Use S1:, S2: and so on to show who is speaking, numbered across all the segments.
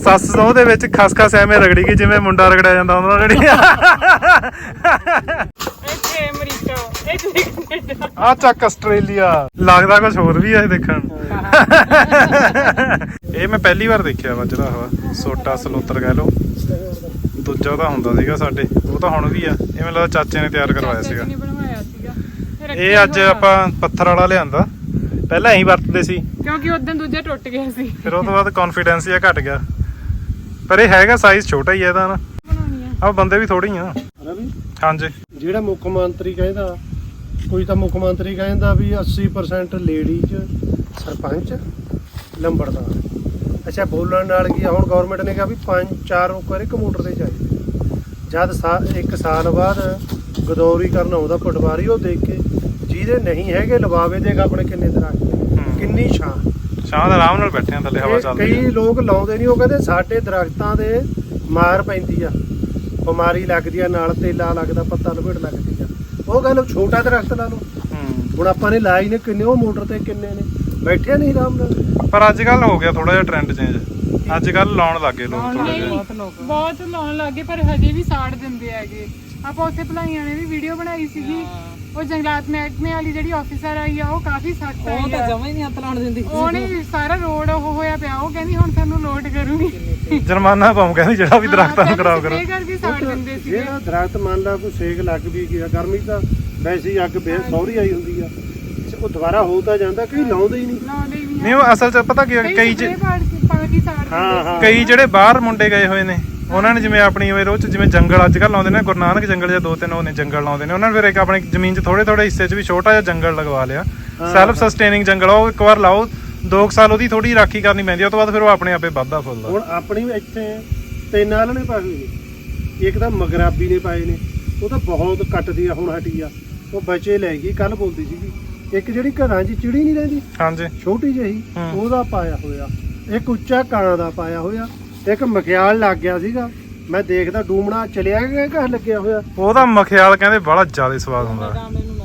S1: ਸੱਸ ਸਹੁੰ ਦੇ ਵਿੱਚ ਖਸਖਸ ਐਵੇਂ ਰਗੜੀ ਗਈ ਜਿਵੇਂ ਮੁੰਡਾ ਰਗੜਿਆ ਜਾਂਦਾ ਉਹਨਾਂ ਨਾਲ ਜਿਹੜੀ
S2: ਇੱਥੇ ਅਮਰੀਕਾ ਇੱਥੇ ਕੈਨੇਡਾ
S1: ਆ ਚੱਕ ਆਸਟ੍ਰੇਲੀਆ ਲੱਗਦਾ ਕੁਝ ਹੋਰ ਵੀ ਆ ਦੇਖਣ ਇਹ ਮੈਂ ਪਹਿਲੀ ਵਾਰ ਦੇਖਿਆ ਵਾ ਜਿਹੜਾ ਵਾ ਸੋਟਾ ਸਲੋਤਰ ਕਹਿ ਲਓ ਦੂਜਾ ਤਾਂ ਹੁੰਦਾ ਸੀਗਾ ਸਾਡੇ ਉਹ ਤਾਂ ਹੁਣ ਵੀ ਆ ਇਹ ਮੈਨੂੰ ਲੱਗਦਾ ਚਾਚੇ ਨੇ ਤਿਆਰ ਕਰਵਾਇਆ ਸੀਗਾ ਇਹ ਅੱਜ ਆਪਾਂ ਪੱਥਰ ਵਾਲਾ ਲਿਆਂਦਾ ਪਹਿਲਾਂ ਇਹੀ ਵਰਤਦੇ ਸੀ
S2: ਕਿਉਂਕਿ ਉਦੋਂ ਦੂਜਾ ਟੁੱਟ ਗਿਆ ਸੀ
S1: ਫਿਰ ਉਹ ਤੋਂ ਬਾਅਦ ਕੌਨਫੀਡੈਂਸ ਜਿਹਾ ਘਟ ਗਿਆ ਪਰ ਇਹ ਹੈਗਾ ਸਾਈਜ਼ ਛੋਟਾ ਹੀ ਹੈ ਇਹਦਾ ਨਾ ਆ ਬੰਦੇ ਵੀ ਥੋੜੇ ਹੀ ਆ
S3: ਰਵੀ
S1: ਹਾਂਜੀ
S3: ਜਿਹੜਾ ਮੁੱਖ ਮੰਤਰੀ ਕਹਿੰਦਾ ਕੋਈ ਤਾਂ ਮੁੱਖ ਮੰਤਰੀ ਕਹਿੰਦਾ ਵੀ 80% ਲੇਡੀਜ਼ ਸਰਪੰਚ ਲੰਬੜਦਾਰ ਅੱਛਾ ਬੋਲਣ ਨਾਲ ਕੀ ਹੁਣ ਗਵਰਨਮੈਂਟ ਨੇ ਕਿਹਾ ਵੀ 5-4 ਓਕਰ ਇੱਕ ਮੋਟਰ ਤੇ ਚਾਹੀਦੇ ਜਦ 1 ਸਾਲ ਬਾਅਦ ਗਦੌਰੀ ਕਰਨ ਆਉਂਦਾ ਪਟਵਾਰੀ ਉਹ ਦੇਖ ਕੇ ਜਿਹਦੇ ਨਹੀਂ ਹੈਗੇ ਲਵਾਵੇ ਦੇਗਾ ਆਪਣੇ ਕਿੰਨੇ ਦਰਖਤ ਕਿੰਨੀ ਛਾਂ
S1: ਦਾ ਆਰਾਮ ਨਾਲ ਬੈਠੇ ਆ ਥੱਲੇ ਹਵਾ ਚੱਲਦੀ
S3: ਕਈ ਲੋਕ ਲਾਉਂਦੇ ਨਹੀਂ ਉਹ ਕਹਿੰਦੇ ਸਾਡੇ ਦਰਖਤਾਂ ਦੇ ਮਾਰ ਪੈਂਦੀ ਆ ਬਿਮਾਰੀ ਲੱਗਦੀ ਆ ਨਾਲ ਤੇਲਾ ਲੱਗਦਾ ਪੱਤਾ ਲਪੇਟ ਲੱਗਦੀ ਆ ਉਹ ਕਹਿੰਦੇ ਛੋਟਾ ਦਰਖਤ ਲਾ ਲਓ ਹੁਣ ਆਪਾਂ ਨੇ ਲਾਈ ਨੇ ਕਿੰਨੇ ਉਹ ਮੋਟਰ ਤੇ ਕਿੰਨੇ ਨੇ ਬੈਠੇ ਨਹੀਂ ਆਰਾਮ ਨਾਲ
S1: ਪਰ ਅੱਜ ਕੱਲ ਹੋ ਗਿਆ ਥੋੜਾ ਜਿਹਾ ਟ੍ਰੈਂਡ ਚੇਂਜ ਅੱਜ ਕੱਲ ਲਾਉਣ ਲੱਗੇ ਲੋਕ ਥੋੜਾ ਜਿਹਾ
S2: ਬਹੁਤ ਲਾਉਣ ਲੱਗੇ ਪਰ ਹਜੇ ਵੀ ਸਾੜ ਦਿੰਦੇ ਹੈਗੇ ਆਪਾਂ ਉੱਥੇ ਭਲਾਈਆਂ ਨੇ ਵੀ ਵੀਡੀਓ ਬਣਾਈ ਸੀਗੀ ਉਹ ਜੰਗਲਾਤ ਮਹਿਕਮੇ ਵਾਲੀ ਜਿਹੜੀ ਆਫੀਸਰ ਆਈ ਆ ਉਹ ਕਾਫੀ ਸਖਤ ਆਈ ਆ ਉਹ ਤਾਂ ਜਮਾਂ ਹੀ ਨਹੀਂ ਹੱਥ ਲਾਉਣ ਦਿੰਦੀ ਉਹਨੇ ਸਾਰਾ ਰੋਡ ਉਹ ਹੋਇਆ ਪਿਆ ਉਹ ਕਹਿੰਦੀ ਹੁਣ ਤੁਹਾਨੂੰ ਲੋਡ ਕਰੂੰਗੀ
S1: ਜੁਰਮਾਨਾ ਪਾਉਂ ਕਹਿੰਦੀ ਜਿਹੜਾ ਵੀ ਦਰਖਤਾਂ ਨੂੰ ਖਰਾਬ ਕਰੋ
S2: ਇਹ ਕਰਕੇ ਸਾੜ ਦਿੰਦੇ ਸੀ
S3: ਜਿਹੜਾ ਦਰਖਤ ਮੰਨ ਲਾ ਕੋਈ ਸੇਕ ਲੱਗ ਵੀ ਗਿਆ ਗਰਮੀ ਤਾਂ ਵੈਸੇ ਹੀ ਅੱਗ ਸੌਰੀ ਆਈ ਹੁੰਦੀ ਆ ਉਹ ਦੁਬਾਰਾ ਹੋ ਤਾਂ ਜਾਂਦਾ ਕਈ ਲਾਉਂਦੇ ਹੀ ਨਹੀਂ
S1: ਨਹੀਂ ਉਹ ਅਸਲ ਚ ਪਤਾ ਕੀ ਕਈ ਜਿਹੜੇ ਬਾਹਰ ਮੁੰਡੇ ਗਏ ਹੋਏ ਨੇ ਉਹਨਾਂ ਨੇ ਜਿਵੇਂ ਆਪਣੀ ਰੋਜ਼ ਜਿਵੇਂ ਜੰਗਲ ਅੱਜ ਕੱਲ੍ਹ ਲਾਉਂਦੇ ਨੇ ਗੁਰੂ ਨਾਨਕ ਜੰਗਲ ਜਾਂ 2-3 ਉਹ ਨੇ ਜੰਗਲ ਲਾਉਂਦੇ ਨੇ ਉਹਨਾਂ ਨੇ ਫਿਰ ਇੱਕ ਆਪਣੀ ਜ਼ਮੀਨ 'ਚ ਥੋੜੇ ਹਿੱਸੇ 'ਚ ਵੀ ਛੋਟਾ ਜਿਹਾ ਜੰਗਲ ਲਗਵਾ ਲਿਆ ਸੈਲਫ ਸਸਟੇਨਿੰਗ ਜੰਗਲ ਉਹ ਇੱਕ ਵਾਰ ਲਾਓ 2 ਸਾਲ ਉਹਦੀ ਥੋੜੀ ਰਾਖੀ ਕਰਨੀ ਪੈਂਦੀ ਉਸ ਤੋਂ ਬਾਅਦ ਫਿਰ ਉਹ ਆਪਣੇ ਆਪੇ ਵੱਧਦਾ ਫੁੱਲਦਾ
S3: ਹੁਣ ਆਪਣੀ ਇੱਥੇ 3 ਆਲ ਨੇ ਪਾਏ ਨੇ ਇੱਕ ਤਾਂ ਮਗਰਾਬੀ ਨੇ ਪਾਏ ਨੇ ਉਹ ਤਾਂ ਬਹੁਤ ਕੱਟਦੀ ਆ ਹੁਣ ਹਟੀ ਆ ਉਹ ਬੱਚੇ ਲੈ ਗਈ ਕੱਲ ਬੋਲਦੀ ਸੀਗੀ ਇੱਕ ਜਿਹੜੀ ਘਰਾਂ 'ਚ ਚਿੜੀ ਨਹੀਂ ਰਹਿੰਦੀ
S1: ਹਾਂਜੀ
S3: ਛੋਟੀ ਜਿਹੀ ਉਹਦਾ ਪਾਇਆ ਹੋਇਆ ਇੱਕ ਉੱਚਾ ਕਾਂ ਦਾ ਪਾਇਆ ਹੋਇਆ ਇੱਕ ਮਖਿਆਲ ਲੱਗ ਗਿਆ ਸੀਗਾ ਮੈਂ ਦੇਖਦਾ ਡੂਮਣਾ ਚਲਿਆ ਗਿਆ ਘਰ ਲੱਗਿਆ ਹੋਇਆ
S1: ਉਹਦਾ ਮਖਿਆਲ ਕਹਿੰਦੇ ਬੜਾ ਜ਼ਿਆਦਾ ਸਵਾਦ ਹੁੰਦਾ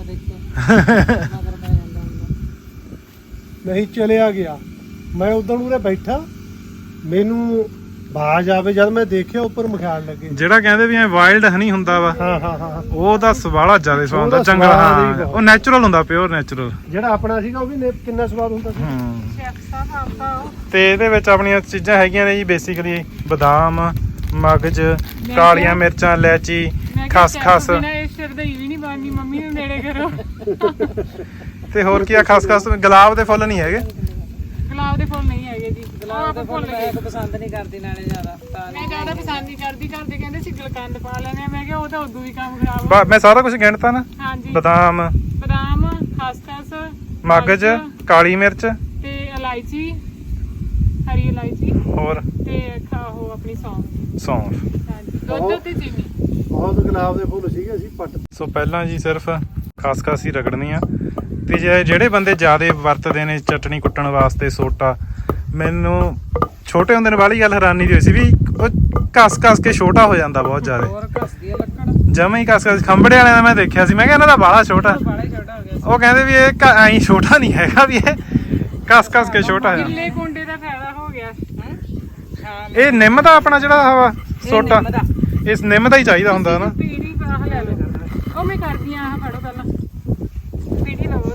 S3: ਨਹੀਂ ਚਲਿਆ ਗਿਆ ਮੈਂ ਉਦੋਂ ਉਰੇ ਬੈਠਾ ਮੈਨੂੰ ਬਾਜ ਆਵੇ ਜਦ ਮੈਂ ਦੇਖਿਆ ਉੱਪਰ ਮਖਿਆਲ ਲੱਗੇ
S1: ਜਿਹੜਾ ਕਹਿੰਦੇ ਵੀ ਐ ਵਾਈਲਡ ਹਨੀ ਹੁੰਦਾ ਵਾ
S3: ਹਾਂ
S1: ਉਹਦਾ ਸਵਾਲਾ ਜ਼ਿਆਦਾ ਸਵਾਦ ਹੁੰਦਾ ਜੰਗਲ ਹਾਂ ਉਹ ਨੈਚੁਰਲ ਹੁੰਦਾ ਪਿਓਰ ਨੈਚੁਰਲ
S3: ਜਿਹੜਾ ਆਪਣਾ ਸੀਗਾ ਉਹ ਵੀ ਕਿੰਨਾ ਸਵਾਦ ਹੁੰਦਾ ਸੀ
S1: ਤੇ ਇਹਦੇ ਵਿੱਚ ਆਪਣੀਆਂ ਚੀਜ਼ਾਂ ਹੈਗੀਆਂ ਨੇ ਜੀ ਬੇਸਿਕਲੀ ਬਦਾਮ ਮਗਜ ਕਾਲੀਆਂ ਮਿਰਚਾਂ ਇਲਾਇਚੀ ਖਸਖਸ
S2: ਮੰਮੀ ਨੂੰ ਨੇੜੇ ਕਰੋ
S1: ਤੇ ਹੋਰ ਕੀ ਆ ਖਸਖਸ ਗੁਲਾਬ ਦੇ ਫੁੱਲ ਨਹੀਂ ਹੈਗੇ
S2: ਗੁਲਾਬ ਦੇ ਫੁੱਲ ਨਹੀਂ ਹੈਗੇ ਜੀ ਗੁਲਾਬ ਦੇ ਫੁੱਲ ਮੈਂ
S4: ਪਸੰਦ ਨਹੀਂ ਕਰਦੀ ਨਾਲੇ ਜ਼ਿਆਦਾ
S2: ਮੈਂ ਜ਼ਿਆਦਾ ਪਸੰਦ ਨਹੀਂ ਕਰਦੀ ਘਰਦੇ ਕਹਿੰਦੇ ਸੀ ਗੁਲਕੰਦ ਪਾ ਲੈਣੇ ਆ ਮੈਂ ਕਿਹਾ ਉਹ ਤਾਂ ਉਦੋਂ ਵੀ ਕੰਮ ਖਰਾਬ
S1: ਮੈਂ ਸਾਰਾ ਕੁਝ ਗਿਣਤਾ ਨਾ
S2: ਹਾਂਜੀ
S1: ਬਦਾਮ
S2: ਖਸਖਸ
S1: ਮਗਜ ਕਾਲੀ ਮਿਰਚ
S2: ਤੇ ਇਲਾਇਚੀ ਹਰੀ ਇਲਾਇਚੀ
S1: ਹੋਰ
S2: ਤੇ ਉਹ ਆਪਣੀ
S1: ਸੌਂਫ
S2: ਹਾਂਜੀ ਦੁੱਧ ਤੇ ਚੀਨੀ
S3: ਬਹੁਤ ਗੁਲਾਬ ਦੇ ਫੁੱਲ ਸੀਗੇ ਅਸੀਂ ਪੱਟ
S1: ਸੋ ਪਹਿਲਾਂ ਜੀ ਸਿਰਫ ਖਸਖਸ ਹੀ ਰਗੜਨੀ ਆ ਤੇ ਜਿਹੜੇ ਬੰਦੇ ਜ਼ਿਆਦਾ ਵਰਤਦੇ ਨੇ ਚਟਣੀ ਕੁੱਟਣ ਵਾਸਤੇ ਸੋਟਾ ਮੈਨੂੰ ਛੋਟੇ ਹੁੰਦੇ ਨੇ ਵਾਲੀ ਗੱਲ ਹੈਰਾਨੀ ਦੀ ਹੋਈ ਸੀ ਵੀ ਉਹ ਘਸ ਕੇ ਛੋਟਾ ਹੋ ਜਾਂਦਾ ਬਹੁਤ ਜ਼ਿਆਦਾ
S4: ਹੋਰ ਘਸਦੀ ਆ ਲੱਕੜ
S1: ਜਮਾਂ ਹੀ ਘਸ ਖੰਬੜੇ ਵਾਲਿਆਂ ਦਾ ਮੈਂ ਦੇਖਿਆ ਸੀ ਮੈਂ ਕਿਹਾ ਇਹਨਾਂ ਦਾ ਬਾਲਾ ਛੋਟਾ ਉਹ ਕਹਿੰਦੇ ਵੀ ਇਹ ਐਂ ਛੋਟਾ ਨਹੀਂ ਹੈਗਾ ਵੀ ਇਹ ਘਸ ਕੇ ਛੋਟਾ ਹੈ
S2: ਕਿੱਲੇ ਕੁੰਡੇ ਦਾ ਫਾਇਦਾ ਹੋ ਗਿਆ
S1: ਇਹ ਨਿੰਮ ਦਾ ਆਪਣਾ ਜਿਹੜਾ ਹਵਾ ਸੋਟਾ ਇਸ ਨਿੰਮ ਦਾ ਹੀ ਚਾਹੀਦਾ ਹੁੰਦਾ ਨਾ
S2: ਪੀੜੀ ਆਹ ਲੈ ਲਓ ਉਹ ਮੈਂ ਕਰਦੀ ਆ ਆਹ ਫੜੋ ਪਹਿਲਾਂ ਪੀੜੀ ਲਵੋ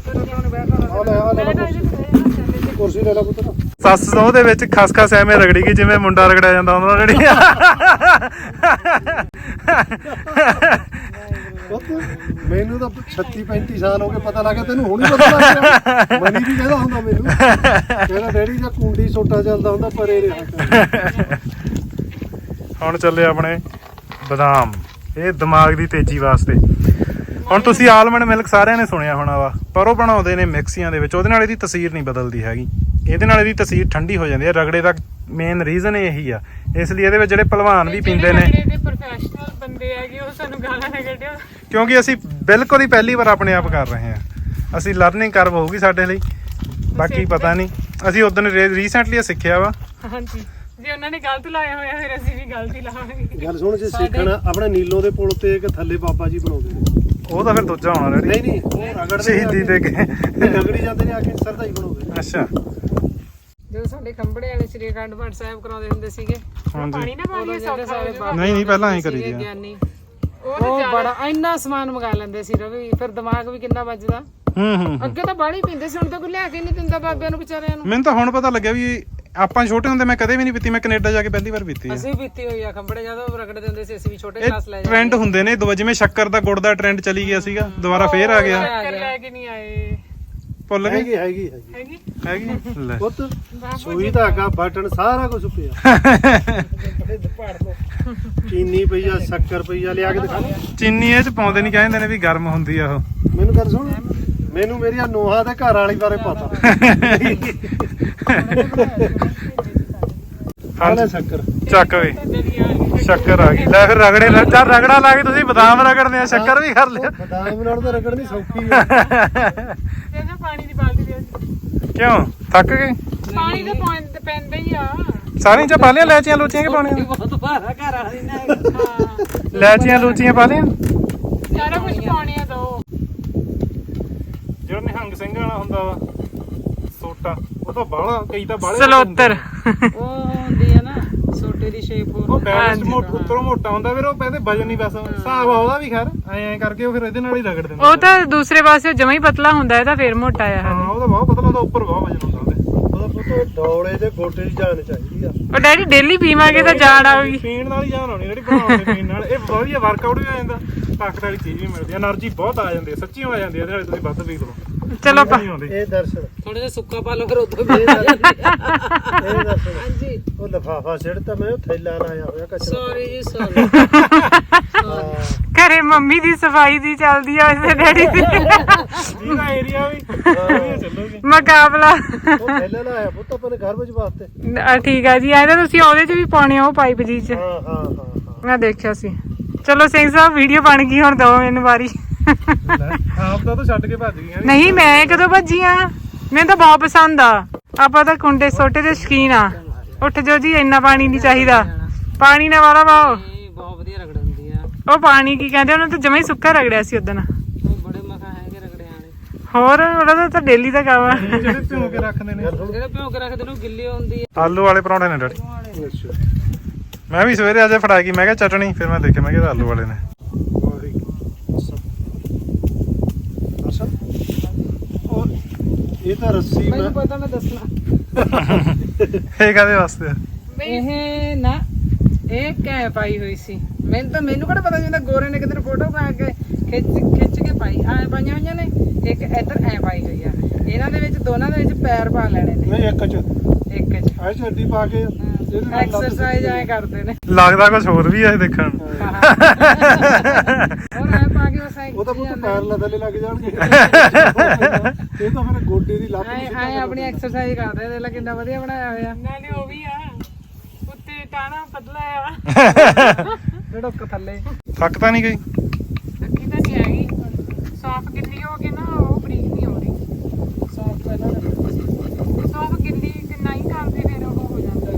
S2: ਤੇ
S3: ਕੁਰਸੀ ਲੈ ਲਾ ਪੁੱਤ
S1: ਸੱਸ ਸਹੁੰ ਦੇ ਵਿੱਚ ਖਸਖਸ ਐਵੇਂ ਰਗੜੀ ਗਈ ਜਿਵੇਂ ਮੁੰਡਾ ਰਗੜਿਆ ਜਾਂਦਾ ਉਹਨਾਂ ਨਾਲ ਜਿਹੜੀ
S3: ਮੈਨੂੰ ਤਾਂ 36-35 ਸਾਲ ਹੋ ਗਏ ਪਤਾ ਲੱਗਾ ਤੈਨੂੰ ਹੁਣ ਹੀ ਪਤਾ ਲੱਗ ਗਿਆ ਮਨੀ ਵੀ ਕਹਿੰਦਾ ਹੁੰਦਾ ਮੈਨੂੰ ਕਹਿੰਦਾ ਡੈਡੀ ਦਾ ਕੁੰਡੀ ਸੋਟਾ ਚੱਲਦਾ ਹੁੰਦਾ ਪਰੇ ਰਿਹਾ
S1: ਹੁਣ ਚੱਲੇ ਆਪਣੇ ਬਦਾਮ ਇਹ ਦਿਮਾਗ ਦੀ ਤੇਜ਼ੀ ਵਾਸਤੇ ਹੁਣ ਤੁਸੀਂ ਆਲਮੰਡ ਮਿਲਕ ਸਾਰਿਆਂ ਨੇ ਸੁਣਿਆ ਹੋਣਾ ਵਾ ਪਰ ਉਹ ਬਣਾਉਂਦੇ ਨੇ ਮਿਕਸੀਆਂ ਦੇ ਵਿੱਚ ਉਹਦੇ ਨਾਲ ਇਹਦੀ ਤਸੀਰ ਨਹੀਂ ਬਦਲਦੀ ਹੈਗੀ ਇਹਦੇ ਨਾਲ ਇਹਦੀ ਤਸੀਰ ਠੰਡੀ ਹੋ ਜਾਂਦੀ ਹੈ ਰਗੜੇ ਦਾ ਮੇਨ ਰੀਜ਼ਨ ਇਹੀ ਆ ਇਸ ਲਈ ਇਹਦੇ ਵਿੱਚ ਜਿਹੜੇ ਭਲਵਾਨ ਵੀ ਪੀਂਦੇ ਨੇ
S2: ਪ੍ਰੋਫੈਸ਼ਨਲ ਬੰਦੇ ਹੈਗੇ ਉਹ ਸਾਨੂੰ ਗਾਲਾਂ ਨਾ ਕੱਢਿਓ
S1: ਕਿਉਂਕਿ ਅਸੀਂ ਬਿਲਕੁਲ ਹੀ ਪਹਿਲੀ ਵਾਰ ਆਪਣੇ ਆਪ ਕਰ ਰਹੇ ਹਾਂ ਅਸੀਂ ਲਰਨਿੰਗ ਕਰਵ ਹੋਊਗੀ ਸਾਡੇ ਲਈ ਬਾਕੀ ਪਤਾ ਨਹੀਂ ਅਸੀਂ ਉਦੋਂ ਰੀਸੈਂਟਲੀ ਸਿੱਖਿਆ ਵਾ
S2: ਹਾਂਜੀ ਜੇ ਉਹਨਾਂ ਨੇ ਗਲਤ ਲਾਇਆ ਹੋਇਆ ਫਿਰ ਅਸੀਂ ਵੀ ਗਲਤ ਹੀ ਲਾਵਾਂਗੇ
S3: ਗੱਲ ਸੁਣ ਜੇ ਸਿੱਖਣਾ ਆਪਣੇ ਨੀਲੋ ਦੇ ਪੁਲ ਤੇ ਇੱਕ ਥੱਲੇ ਬਾਬਾ ਜੀ ਬਣਾਉਂਦੇ ਨੇ
S1: ਉਹ ਤਾਂ ਫਿਰ ਦੂਜਾ ਹੋਣਾ ਰੈਡੀ
S3: ਨਹੀਂ ਉਹ ਰਗੜਦੇ
S1: ਸ਼ਹੀਦੀ ਦੇ ਕੇ
S3: ਰਗੜੀ ਜਾਂਦੇ ਨੇ ਆ ਕੇ ਸਰਦਾ ਹੀ ਬਣਾਉਂਦੇ ਨੇ
S1: ਅੱਛਾ
S4: ਜਦੋਂ ਸਾਡੇ ਖੰਬੜੇ ਵਾਲੇ ਸ੍ਰੀ ਅਖੰਡ ਪਾਠ ਸਾਹਿਬ ਕਰਾਉਂਦੇ ਹੁੰਦੇ ਸੀਗੇ
S2: ਪਾਣੀ ਨਾ ਪਾਣੀ ਸੌਖਾ
S1: ਨਹੀਂ ਨਹੀਂ ਪਹਿਲਾਂ ਐਂ ਕਰੀ ਦਿਆ
S4: ਗਿਆਨੀ ਉਹ ਬੜਾ ਇੰਨਾ ਸਮਾਨ ਮੰਗਾ ਲੈਂਦੇ ਸੀ ਰਵੀ ਫਿਰ ਦਿਮਾਗ ਵੀ ਕਿੰਨਾ ਵੱਜਦਾ
S1: ਹੂੰ
S4: ਅੱਗੇ ਤਾਂ ਬਾਹਲੀ ਪੀਂਦੇ ਸੀ ਹੁਣ ਤਾਂ ਕੋਈ ਲਿਆ ਕੇ ਨਹੀਂ ਦਿੰਦਾ ਬਾਬਿਆਂ ਨੂੰ ਵਿਚਾਰਿਆਂ ਨੂੰ
S1: ਮੈਨੂੰ ਤਾਂ ਹੁਣ ਪਤਾ ਲੱਗਿਆ ਵੀ ਆਪਾਂ ਛੋਟੇ ਹੁੰਦੇ ਮੈਂ ਕਦੇ ਵੀ ਨਹੀਂ ਪੀਤੀ ਮੈਂ ਕੈਨੇਡਾ ਜਾ ਕੇ ਪਹਿਲੀ ਵਾਰ ਪੀਤੀ ਆ
S4: ਅਸੀਂ ਪੀਤੀ ਹੋਈ ਆ ਖੰਬੜੇ ਜਦੋਂ ਰਗੜਦੇ ਹੁੰਦੇ ਸੀ ਅਸੀਂ ਵੀ ਛੋਟੇ
S1: ਇਹ
S4: ਕਲਾਸ ਲੈ
S1: ਟ੍ਰੈਂਡ ਹੁੰਦੇ ਨੇ ਜਿਵੇਂ ਸ਼ੱਕਰ ਦਾ ਗੁੜ ਦਾ ਟ੍ਰੈਂਡ ਚਲੀ ਗਿਆ ਸੀਗਾ ਦੁਬਾਰਾ ਫੇਰ ਆ ਗਿਆ
S2: ਚੱਕਰ ਲੈ ਕੇ ਨਹੀਂ ਆਏ
S1: ਭੁੱਲ ਗਏ
S3: ਹੈਗੀ ਹੈਗੀ
S2: ਹੈਗੀ
S1: ਹੈਗੀ ਲੈ
S3: ਪੁੱਤ ਸੂਈ ਧਾਗਾ ਬਟਨ ਸਾਰਾ ਕੁਝ ਪਿਆ ਚੀਨੀ ਪਈ ਆ ਸ਼ੱਕਰ ਪਈ ਆ ਲਿਆ ਕੇ ਦਿਖਾ
S1: ਚੀਨੀ ਇਹ ਚ ਪਾਉਂਦੇ ਨਹੀਂ ਕਹਿੰਦੇ ਨੇ ਵੀ ਗਰਮ ਹੁੰਦੀ ਆ ਉਹ
S3: ਮੈਨੂੰ ਗੱਲ ਸੁਣ ਮੈਨੂੰ ਮੇਰੀਆਂ ਨੋਹਾਂ ਦੇ ਘਰ ਵਾਲੀ ਬਾਰੇ ਪਤਾ ਹਾਲੇ ਸ਼ੱਕਰ
S1: ਚੱਕ ਵੇ ਸ਼ੱਕਰ ਆ ਗਈ ਲੈ ਫਿਰ ਰਗੜੇ ਚੱਲ ਰਗੜਾ ਲਾ ਕੇ ਤੁਸੀਂ ਬਦਾਮ ਰਗੜਦੇ ਆ ਸ਼ੱਕਰ ਵੀ ਕਰ ਲਿਆ
S3: ਬਦਾਮ ਨਾਲ ਤਾਂ ਰਗੜਨੀ ਸੌਖੀ ਆ
S2: ਇਹਦਾ ਪਾਣੀ ਦੀ ਬਾਲਟੀ ਦੇ
S1: ਕਿਉਂ ਥੱਕ ਗਏ
S2: ਪਾਣੀ ਤਾਂ ਪੈਂਦਾ ਹੀ ਆ
S1: ਸਾਰੀਆਂ ਚ ਪਾ ਲਿਆ ਲੈਚੀਆਂ ਲੂਚੀਆਂ ਕਿ ਪਾਉਣੀਆਂ
S4: ਬਹੁਤ ਭਾਰਾ ਘਰ ਵਾਲੀ ਨਾ
S2: ਹਾਂ
S1: ਲੈਚੀਆਂ ਲੂਚੀਆਂ ਪਾ ਲਿਆ
S2: ਸਾਰਾ ਕੁਝ ਪਾਉਣੇ ਆ ਦੋ
S1: ਜਿਹੜਾ ਨਿਹੰਗ ਸਿੰਘ ਵਾਲਾ ਹੁੰਦਾ ਵਾ ਸੋਟਾ ਉਹ ਤਾਂ ਬਾਹਲਾ ਕਈ ਤਾਂ ਬਾਹਲੇ
S2: ਸਲੋਤਰ
S4: ਉਹ ਹੁੰਦੀ ਆ ਨਾ ਛੋਟੇ ਦੀ ਸ਼ੇਪ
S1: ਉਹ ਬੈਲੈਂਸ ਉੱਪਰੋਂ ਮੋਟਾ ਹੁੰਦਾ ਫਿਰ ਉਹ ਕਹਿੰਦੇ ਵਜਨ ਨਹੀਂ ਬਸ ਹਿਸਾਬ ਆ ਉਹਦਾ ਵੀ ਖੈਰ ਐਂ ਕਰਕੇ ਉਹ ਫਿਰ ਇਹਦੇ ਨਾਲ ਹੀ ਰਗੜ ਦਿੰਦੇ
S2: ਉਹ ਤਾਂ ਦੂਸਰੇ ਪਾਸੇ ਜਮਾ ਹੀ ਪਤਲਾ ਹੁੰਦਾ ਇਹਦਾ ਫੇਰ ਮੋਟਾ ਆ
S1: ਹਾਂ ਉਹਦਾ ਬਹੁਤ ਪਤਲਾ ਉਹਦਾ ਉੱਪਰ ਬਹੁਤ ਵਜਨ ਹੁੰਦਾ ਉਹਦੇ
S3: ਉਹਦਾ ਪੁੱਤ ਡੌਲੇ ਦੇ ਗੋਡੇ ਦੀ ਜਾਨ ਚਾਹੀਦੀ ਆ
S2: ਉਹ ਡੈਡੀ ਡੇਲੀ ਪੀਵਾਂਗੇ ਤਾਂ ਜਾਨ ਆਊਗੀ
S1: ਪੀਣ ਨਾਲ ਹੀ ਜਾਨ ਆਉਣੀ ਜਿਹੜੀ ਬਣਾਉਂਦੇ ਪੀਣ ਨਾਲ ਇਹ ਵਧੀਆ ਵਰਕਆਊਟ ਵੀ ਹੋ ਜਾਂਦਾ ਤਾਕਤ ਵਾਲੀ ਚੀਜ਼ ਵੀ ਮਿਲਦੀ ਆ એનર્ਜੀ ਬਹੁਤ ਆ ਜਾਂਦੀ ਹੈ ਸੱਚੀ ਹੋ ਜਾਂਦੀ ਹੈ ਇਹਦੇ ਨਾਲ ਤੁਸੀਂ ਵੱਧ ਪੀ ਲਓ
S2: ਚਲੋ
S1: ਨਹੀਂ ਆਉਂਦੀ
S3: ਇਹ ਦਰਸ਼ਨ
S4: ਥੋੜੇ ਜਿਹਾ ਸੁੱਕਾ ਪਾ ਲਓ ਫਿਰ ਉਦੋਂ ਵੀ
S3: ਇਹ ਦਰਸ਼ਨ
S4: ਹਾਂਜੀ
S3: ਉਹ ਲਫਾਫਾ ਸਿੜਤਾ ਮੈਂ ਉਹ ਥੈਲਾ ਲਾਇਆ ਹੋਇਆ ਕਚਰਾ
S4: ਸੌਰੀ ਜੀ ਸੌਰੀ
S2: ਘਰੇ ਮੰਮੀ ਦੀ ਸਫਾਈ ਦੀ ਚੱਲਦੀ ਆ ਇਸੇ ਡੈਡੀ ਦੀ
S1: ਇਹਦਾ ਏਰੀਆ ਵੀ ਵਧੀਆ ਚੱਲੂਗੀ
S2: ਮੁਕਾਬਲਾ
S3: ਉਹ ਥੈਲਾ ਲਾਇਆ ਪੁੱਤ ਆਪਣੇ ਘਰ ਵਿੱਚ ਵਾਸਤੇ
S2: ਠੀਕ ਆ ਜੀ ਐਂ ਤਾਂ ਤੁਸੀਂ ਉਹਦੇ ਚ ਵੀ ਪਾਉਣੇ ਆ ਉਹ ਪਾਈਪ ਜੀ ਚ
S3: ਹਾਂ ਹਾਂ ਹਾਂ ਹਾਂ
S2: ਮੈਂ ਦੇਖਿਆ ਸੀ ਚਲੋ ਸਿੰਘ ਸਾਹਿਬ ਵੀਡੀਓ ਬਣ ਗਈ ਹੁਣ ਦੋ ਮੈਨੂੰ ਵਾਰੀ
S1: ਆਪ ਤਾਂ ਛੱਡ ਕੇ ਭੱਜ ਗਈਆਂ
S2: ਨਹੀਂ ਮੈਂ ਕਦੋਂ ਭੱਜੀ ਆ ਮੈਨੂੰ ਤਾਂ ਬਹੁਤ ਪਸੰਦ ਆ ਆਪਾਂ ਤਾਂ ਕੁੰਡੇ ਸੋਟੇ ਦੇ ਸ਼ਕੀਨ ਆ ਉੱਠ ਜੋ ਜੀ ਇੰਨਾ ਪਾਣੀ ਨਹੀਂ ਚਾਹੀਦਾ ਪਾਣੀ ਨਾ ਵਾਲਾ ਵਾਓ
S4: ਇਹ ਬਹੁਤ ਵਧੀਆ ਰਗੜ ਹੁੰਦੀ ਆ
S2: ਉਹ ਪਾਣੀ ਕੀ ਕਹਿੰਦੇ ਉਹਨੂੰ ਤਾਂ ਜਮਾ ਹੀ ਸੁੱਕਾ ਰਗੜਿਆ ਸੀ ਉਦੋਂ
S4: ਉਹ ਬੜੇ ਮਖਾ ਹੈਗੇ ਰਗੜਿਆਂ ਵਾਲੇ
S2: ਹੋਰ ਉਹਦਾ ਤਾਂ ਡੇਲੀ ਦਾ ਕੰਮ ਆ
S1: ਜਿਹੜੇ ਭਿਉਂ ਕੇ ਰੱਖਦੇ ਨੇ
S4: ਜਿਹੜਾ ਭਿਓ ਕੇ ਰੱਖਦੇ ਨੇ ਉਹ ਗਿੱਲੀ ਹੁੰਦੀ ਆ
S1: ਆਲੂ ਵਾਲੇ ਪਰੌਂਠੇ ਨੇ ਡੈਡੀ
S3: ਅੱਛਾ
S1: ਮੈਂ ਵੀ ਸਵੇਰੇ ਅੱਜ ਫੜਾ ਗਈ ਮੈਂ ਕਿਹਾ ਚਟਣੀ ਫਿਰ ਮੈਂ ਦੇਖਿਆ ਮੈਂ ਕਿਹਾ ਆਲੂ ਵਾਲੇ ਨੇ
S3: ਇਹ ਤਾਂ ਰੱਸੀ ਮੈਂ
S4: ਮੈਨੂੰ ਪਤਾ ਮੈਂ ਦੱਸਣਾ
S1: ਇਹ ਕਾਦੇ ਵਾਸਤੇ ਆ?
S4: ਇਹ ਨਾ ਇਹ ਕੈ ਪਾਈ ਹੋਈ ਸੀ ਮੈਨੂੰ ਕਿਹੜਾ ਪਤਾ ਜਿੰਦਾ ਗੋਰੇ ਨੇ ਕਿਤੇ ਫੋਟੋ ਪਾ ਕੇ ਖਿੱਚ ਕੇ ਪਾਈ ਐ ਪਾਈਆਂ ਹੋਈਆਂ ਨੇ ਇੱਕ ਇੱਧਰ ਐ ਪਾਈ ਹੋਈ ਆ ਇਹਨਾਂ ਦੇ ਵਿੱਚ ਦੋਨਾਂ ਦੇ ਵਿੱਚ ਪੈਰ ਪਾ ਲੈਣੇ ਨੇ
S3: ਨਹੀਂ ਇੱਕ ਚ
S4: ਇੱਕ ਚ
S3: ਐ ਛੱਡੀ ਪਾ ਕੇ ਇਹਦੇ ਨਾਲ ਲੱਤ
S4: ਐਕਸਰਸਾਈਜ਼ ਐ ਕਰਦੇ ਨੇ
S1: ਲੱਗਦਾ ਕੁਝ ਹੋਰ ਵੀ ਆ ਇਹ ਦੇਖਣ ਨੂੰ।
S4: ਹੋਰ ਐ ਪਾ ਕੇ ਬਸ ਐ
S3: ਉਹ ਤਾਂ ਪੁੱਤ ਪੈਰ ਲਦਲੇ ਲੱਗ ਜਾਣਗੇ ਇਹ ਤਾਂ ਫਿਰ ਗੋਡੇ ਦੀ ਲੱਤ
S4: ਐ ਆਪਣੀ ਐਕਸਰਸਾਈਜ਼ ਕਰਦੇ ਨੇ ਲੈ ਕਿੰਨਾ ਵਧੀਆ ਬਣਾਇਆ ਹੋਇਆ
S2: ਨਾਲੇ ਉਹ ਵੀ ਆ ਉੱਤੇ ਟਾਣਾ ਪਤਲਾ ਆ
S4: ਢੜਕ ਥੱਲੇ
S1: ਥੱਕ ਤਾਂ ਨਹੀਂ ਗਈ
S2: ਅੱਖੀ ਤਾਂ ਨਹੀਂ ਹੈਗੀ ਸਾਫ ਗਿੱਲੀ ਹੋ ਕੇ ਨਾ ਉਹ ਬਰੀਕ ਨਹੀਂ ਹੋ ਰਹੀ
S4: ਸਾਫ ਪਹਿਲਾਂ
S2: ਸਾਫ ਗਿੱਲੀ ਕਿੰਨਾ ਹੀ ਕਰਦੇ ਫਿਰ ਉਹ ਹੋ ਜਾਂਦਾ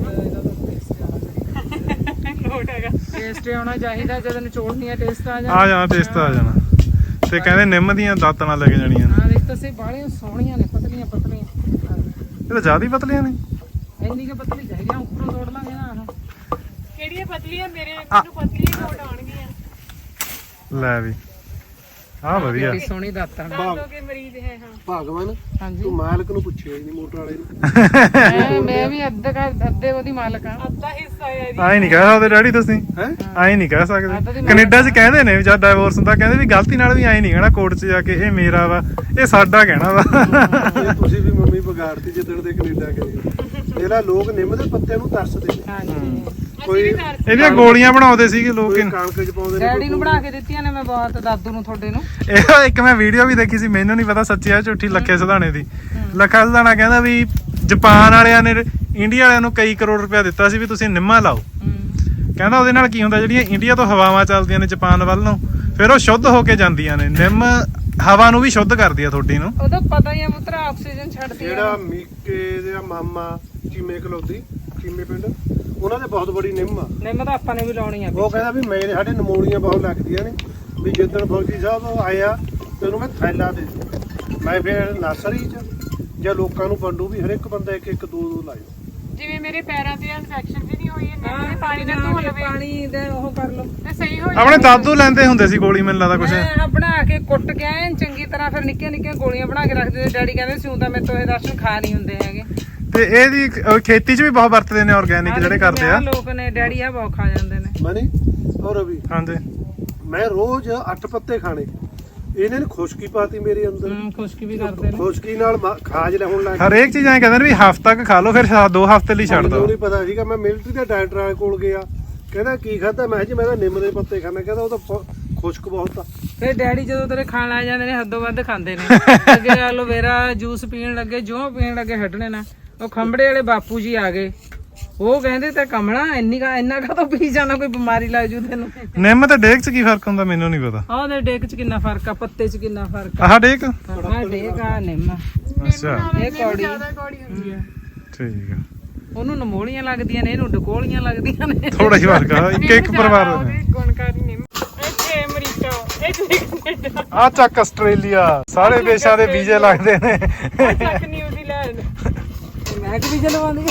S2: ਲੋਟ ਹੈਗਾ
S4: ਟੇਸਟ ਆਉਣਾ ਚਾਹੀਦਾ ਜਦੋਂ ਨਿਚੋੜਨੀ ਆ ਟੇਸਟ ਆ
S1: ਆ ਜਾਣਾ ਟੇਸਟ ਆ ਜਾਣਾ ਤੇ ਕਹਿੰਦੇ ਨਿੰਮ ਦੀਆਂ ਦਾਤਣਾ ਲੈ ਕੇ ਜਾਣੀਆਂ ਨੇ
S4: ਹਾਂ ਦੇਖ ਤਾਂ ਸੇ ਬਾਹਲੀਆਂ ਸੋਹਣੀਆਂ ਨੇ ਪਤਲੀਆਂ ਪਤਲੀਆਂ
S1: ਇਹ ਤਾਂ ਜ਼ਿਆਦਾ ਹੀ ਪਤਲੀਆਂ ਨੇ
S4: ਇੰਨੀ ਕਿ ਪਤਲੀ ਚਾਹੀਦੀਆਂ ਉੱਪਰੋਂ ਤੋੜ ਲਾਂਗੇ ਨਾ ਆਹ
S2: ਕਿਹੜੀਆਂ ਪਤਲੀਆਂ ਮੈਨੂੰ ਪਤਲੀਆਂ ਲੋਟ ਆਉਣਗੀਆਂ
S1: ਲੈ ਵੀ ਆਹ ਵਧੀਆ
S4: ਕਿੰਨੀ ਸੋਹਣੀ ਦਾਤਾਂ
S2: ਲੋਕੇ ਮਰੀਜ਼ ਹੈ ਹਾਂ
S3: ਭਗਵਾਨ
S4: ਹਾਂਜੀ
S3: ਤੂੰ ਮਾਲਕ ਨੂੰ ਪੁੱਛਿਆ ਹੀ ਨਹੀਂ ਮੋਟਰ ਵਾਲੇ ਨੂੰ
S4: ਮੈਂ ਵੀ ਅੱਧੇ ਉਹਦੀ ਮਾਲਕ ਆ
S2: ਅੱਧਾ ਹਿੱਸਾ ਹੈ ਜੀ
S1: ਆਏ ਨਹੀਂ ਕਹਿ ਸਕਦੇ ਡੈਡੀ ਤੁਸੀਂ
S3: ਹੈ
S1: ਆਏ ਨਹੀਂ ਕਹਿ ਸਕਦੇ ਕੈਨੇਡਾ 'ਚ ਕਹਿੰਦੇ ਨੇ ਜਦ ਡਾਈਵੋਰਸ ਹੁੰਦਾ ਕਹਿੰਦੇ ਵੀ ਗਲਤੀ ਨਾਲ ਵੀ ਆਏ ਨਹੀਂ ਕਹਿਣਾ ਕੋਰਟ 'ਚ ਜਾ ਕੇ ਇਹ ਮੇਰਾ ਵਾ ਇਹ ਸਾਡਾ ਕਹਿਣਾ ਵਾ
S3: ਇਹ ਤੁਸੀਂ ਵੀ ਮੰਮੀ ਵਿਗਾੜਤੀ ਜਿੱਦਣ ਦੇ ਕੈਨੇਡਾ ਗਏ ਇਹਦਾ ਲੋਕ ਨਿੰਮ ਦੇ ਪੱਤੇ ਨੂੰ ਤਰਸਦੇ ਨੇ
S4: ਹਾਂਜੀ
S3: ਕੋਈ
S1: ਇਹਦੀਆਂ ਗੋਲੀਆਂ ਬਣਾਉਂਦੇ ਸੀਗੇ ਲੋਕ
S3: ਕੋਈ ਕਣਕ ਚ ਪਾਉਂਦੇ ਨੇ
S4: ਡੈਡੀ ਨੂੰ ਬਣਾ ਕੇ ਦਿੱਤੀਆਂ ਨੇ ਮੈਂ ਬਹੁਤ ਦਾਦੂ ਨੂੰ ਤੁਹਾਡੇ ਨੂੰ
S1: ਇਹ ਇੱਕ ਮੈਂ ਵੀਡੀਓ ਵੀ ਦੇਖੀ ਸੀ ਮੈਨੂੰ ਨਹੀਂ ਪਤਾ ਸੱਚੀ ਆ ਝੂਠੀ ਲੱਖੇ ਸਿਧਾਣੇ ਦੀ ਲੱਖਾ ਸਿਧਾਣਾ ਕਹਿੰਦਾ ਵੀ ਜਾਪਾਨ ਵਾਲਿਆਂ ਨੇ ਇੰਡੀਆ ਵਾਲਿਆਂ ਨੂੰ ਕਈ ਕਰੋੜ ਰੁਪਇਆ ਦਿੱਤਾ ਸੀ ਵੀ ਤੁਸੀਂ ਨਿੰਮਾਂ ਲਾਓ ਕਹਿੰਦਾ ਉਹਦੇ ਨਾਲ ਕੀ ਹੁੰਦਾ ਜਿਹੜੀਆਂ ਇੰਡੀਆ ਤੋਂ ਹਵਾਵਾਂ ਚੱਲਦੀਆਂ ਨੇ ਜਾਪਾਨ ਵੱਲ ਨੂੰ ਫਿਰ ਉਹ ਸ਼ੁੱਧ ਹੋ ਕੇ ਜਾਂਦੀਆਂ ਨੇ ਨਿੰਮ ਹਵਾ ਨੂੰ ਵੀ ਸ਼ੁੱਧ ਕਰਦੀ ਆ ਤੁਹਾਡੀ ਨੂੰ
S4: ਉਹਦਾ ਪਤਾ ਹੀ ਆ ਪੁੱਤਰਾ ਆਕਸੀਜਨ ਛੱਡਦੀ ਆ
S3: ਜਿਹੜਾ ਮੀਕੇ ਦੇ ਮਾਮਾ ਚੀਮੇ ਕਲੌਦੀ ਚੀਮੇ ਪਿੰਡ ਉਹਨਾਂ ਦੇ ਬਹੁਤ ਬੜੀ ਨਿੰਮ ਆ
S4: ਨਿੰਮ ਤਾਂ ਆਪਾਂ ਨੇ ਵੀ ਲਾਉਣੀ ਆ
S3: ਉਹ ਕਹਿੰਦਾ ਵੀ ਮੇਰੇ ਸਾਡੇ ਨਮੂਨੀਆਂ ਬਹੁਤ ਲੱਗਦੀਆਂ ਨੇ ਵੀ ਜਿੱਦਣ ਫੌਜੀ ਸਾਹਿਬ ਆਇਆ ਤੇ ਉਹਨੂੰ ਮੈਂ ਥੈਲਾ ਦੇ ਦਿੱਤਾ ਮੈਂ ਫਿਰ ਨਰਸਰੀ ਚ ਜਾਂ ਲੋਕਾਂ ਨੂੰ ਵੰਡੂ ਵੀ ਹਰ ਇੱਕ ਬੰਦਾ ਇੱਕ ਇੱਕ ਦੋ ਦੋ ਲਾਇਓ
S2: ਜਿਵੇਂ ਮੇਰੇ ਪੈਰਾਂ ਤੇ ਇਨਫੈਕਸ਼ਨ ਵੀ ਨਹੀਂ ਹੋਈ ਇੰਨੇ ਦੇ ਪਾਣੀ ਨਾਲ ਧੋ ਲਵੇ
S4: ਪਾਣੀ ਦੇ ਉਹ ਕਰ ਲਓ
S2: ਤੇ ਸਹੀ ਹੋ
S1: ਆਪਣੇ ਦਾਦੂ ਲੈਂਦੇ ਹੁੰਦੇ ਸੀ ਗੋਲੀ, ਮੈਨੂੰ ਲੱਗਦਾ ਕੁਛ।
S4: ਮੈਂ ਬਣਾ ਕੇ ਕੁੱਟ ਕੇ ਐਨ ਚੰਗੀ ਤਰ੍ਹਾਂ ਫਿਰ ਨਿੱਕੀਆਂ ਨਿੱਕੀਆਂ ਗੋਲੀਆਂ ਬਣਾ ਕੇ ਰੱਖਦੇ ਤੇ ਡੈਡੀ ਕਹਿੰਦੇ ਸੀ ਉਹ ਤਾਂ ਮੇਰੇ ਤੋਂ ਇਹ ਰਾਸ਼ਨ ਖਾ ਨਹੀਂ ਹੁੰਦੇ ਹੈਗੇ।
S1: ਤੇ ਇਹਦੀ ਖੇਤੀ 'ਚ ਵੀ ਬਹੁਤ ਵਰਤਦੇ ਨੇ ਆਰਗੈਨਿਕ ਜਿਹੜੇ ਕਰਦੇ ਆ
S4: ਲੋਕ ਨੇ ਡੈਡੀ ਆ ਬਹੁਤ ਖਾ ਜਾਂਦੇ ਨੇ।
S3: ਮਨੀ ਔਰ ਰਵੀ
S1: ਹਾਂਜੀ।
S3: ਮੈਂ ਰੋਜ਼ 8 ਪੱਤੇ ਖਾਣੇ, ਇਹਨੇ ਨੇ ਖੁਸ਼ਕੀ ਪਾਤੀ ਮੇਰੇ ਅੰਦਰ।
S4: ਖੁਸ਼ਕੀ ਵੀ ਕਰਦੇ ਨੇ।
S3: ਖੁਸ਼ਕੀ ਨਾਲ ਖਾਜ ਹੋਣ ਲੱਗ
S1: ਹਰੇਕ ਚੀਜ਼ ਐਂ ਕਹਿੰਦੇ ਨੇ ਵੀ ਹਫ਼ਤਾ ਕ ਖਾ ਲਓ ਫਿਰ 2 ਹਫ਼ਤੇ ਲਈ ਛੱਡ
S3: ਮੈਨੂੰ
S1: ਦਿਓ।
S3: ਨਹੀਂ ਪਤਾ ਸੀਗਾ। ਮੈਂ ਮਿਲਟਰੀ ਦੇ ਡਾਕਟਰ ਕੋਲ ਗਿਆ, ਕਹਿੰਦਾ ਕੀ ਖਾਧਾ? ਮੈਂ ਜੀ ਮੈਂ ਤਾਂ ਨਿੰਮ ਦੇ ਪੱਤੇ ਖਾਣਾ। ਕਹਿੰਦਾ ਉਹ ਤਾਂ ਖੁਸ਼ਕ ਬਹੁਤ ਆ।
S4: ਫਿਰ ਡੈਡੀ ਜਦੋਂ ਤੇਰੇ ਖਾਣ ਆ ਜਾਂਦੇ ਨੇ ਹੱਦੋਂ ਵੱਧ ਖਾਂਦੇ ਨੇ। ਅੱਗੇ ਐਲੋਵੇਰਾ ਜੂਸ ਪੀਣ ਲੱਗੇ, ਜੋ ਪੀਣ ਲੱਗੇ ਹਟਣੇ ਨਾ। ਉਹ ਖੰਬੜੇ ਵਾਲੇ ਬਾਪੂ ਜੀ ਆ ਗਏ, ਉਹ ਕਹਿੰਦੇ ਤੇ ਕਮਲਾ ਇੰਨਾ ਕਾ ਪੀ ਜਾਣਾ, ਕੋਈ ਬਿਮਾਰੀ ਲੱਗ ਜੂ ਤੈਨੂੰ।
S1: ਨਿੰਮ ਤੇ ਡੇਕ 'ਚ ਕੀ ਫਰਕ ਹੁੰਦਾ ਮੈਨੂੰ ਨਹੀਂ ਪਤਾ।
S4: ਆਹ ਦੇ ਡੇਕ 'ਚ ਕਿੰਨਾ ਫਰਕ ਆ, ਪੱਤੇ 'ਚ ਕਿੰਨਾ ਫਰਕ ਆ।
S1: ਆਹ ਡੇਕ
S4: ਆਹ ਡੇਕ ਆ ਨਿੰਮ,
S1: ਅੱਛਾ
S4: ਇਹ ਕੌੜੀ
S2: ਜ਼ਿਆਦਾ ਕੌੜੀ ਹੁੰਦੀ ਆ।
S1: ਠੀਕ ਆ।
S4: ਉਹਨੂੰ ਨਮੋਲੀਆਂ ਲੱਗਦੀਆਂ ਨੇ, ਇਹਨੂੰ ਡਕੋਲੀਆਂ ਲੱਗਦੀਆਂ ਨੇ।
S1: ਥੋੜਾ ਹੀ ਫਰਕ ਆ ਇੱਕ ਪਰਿਵਾਰ ਦੇ ਨੇ।
S2: ਗੁਣਕਾਰੀ ਨਿੰਮ ਇੱਥੇ ਅਮਰੀਕਾ, ਇੱਥੇ ਕੈਨੇਡਾ,
S1: ਆ ਚੱਕ ਆਸਟ੍ਰੇਲੀਆ, ਸਾਰੇ ਦੇਸ਼ਾਂ ਦੇ ਵੀਜ਼ੇ ਲੱਗਦੇ ਨੇ।
S2: ਤੱਕ ਨਿਊਜ਼ੀਲੈਂਡ।
S4: ਮੈਂ ਕਿ ਵੀ ਜਲਵਾਉਂਦੀ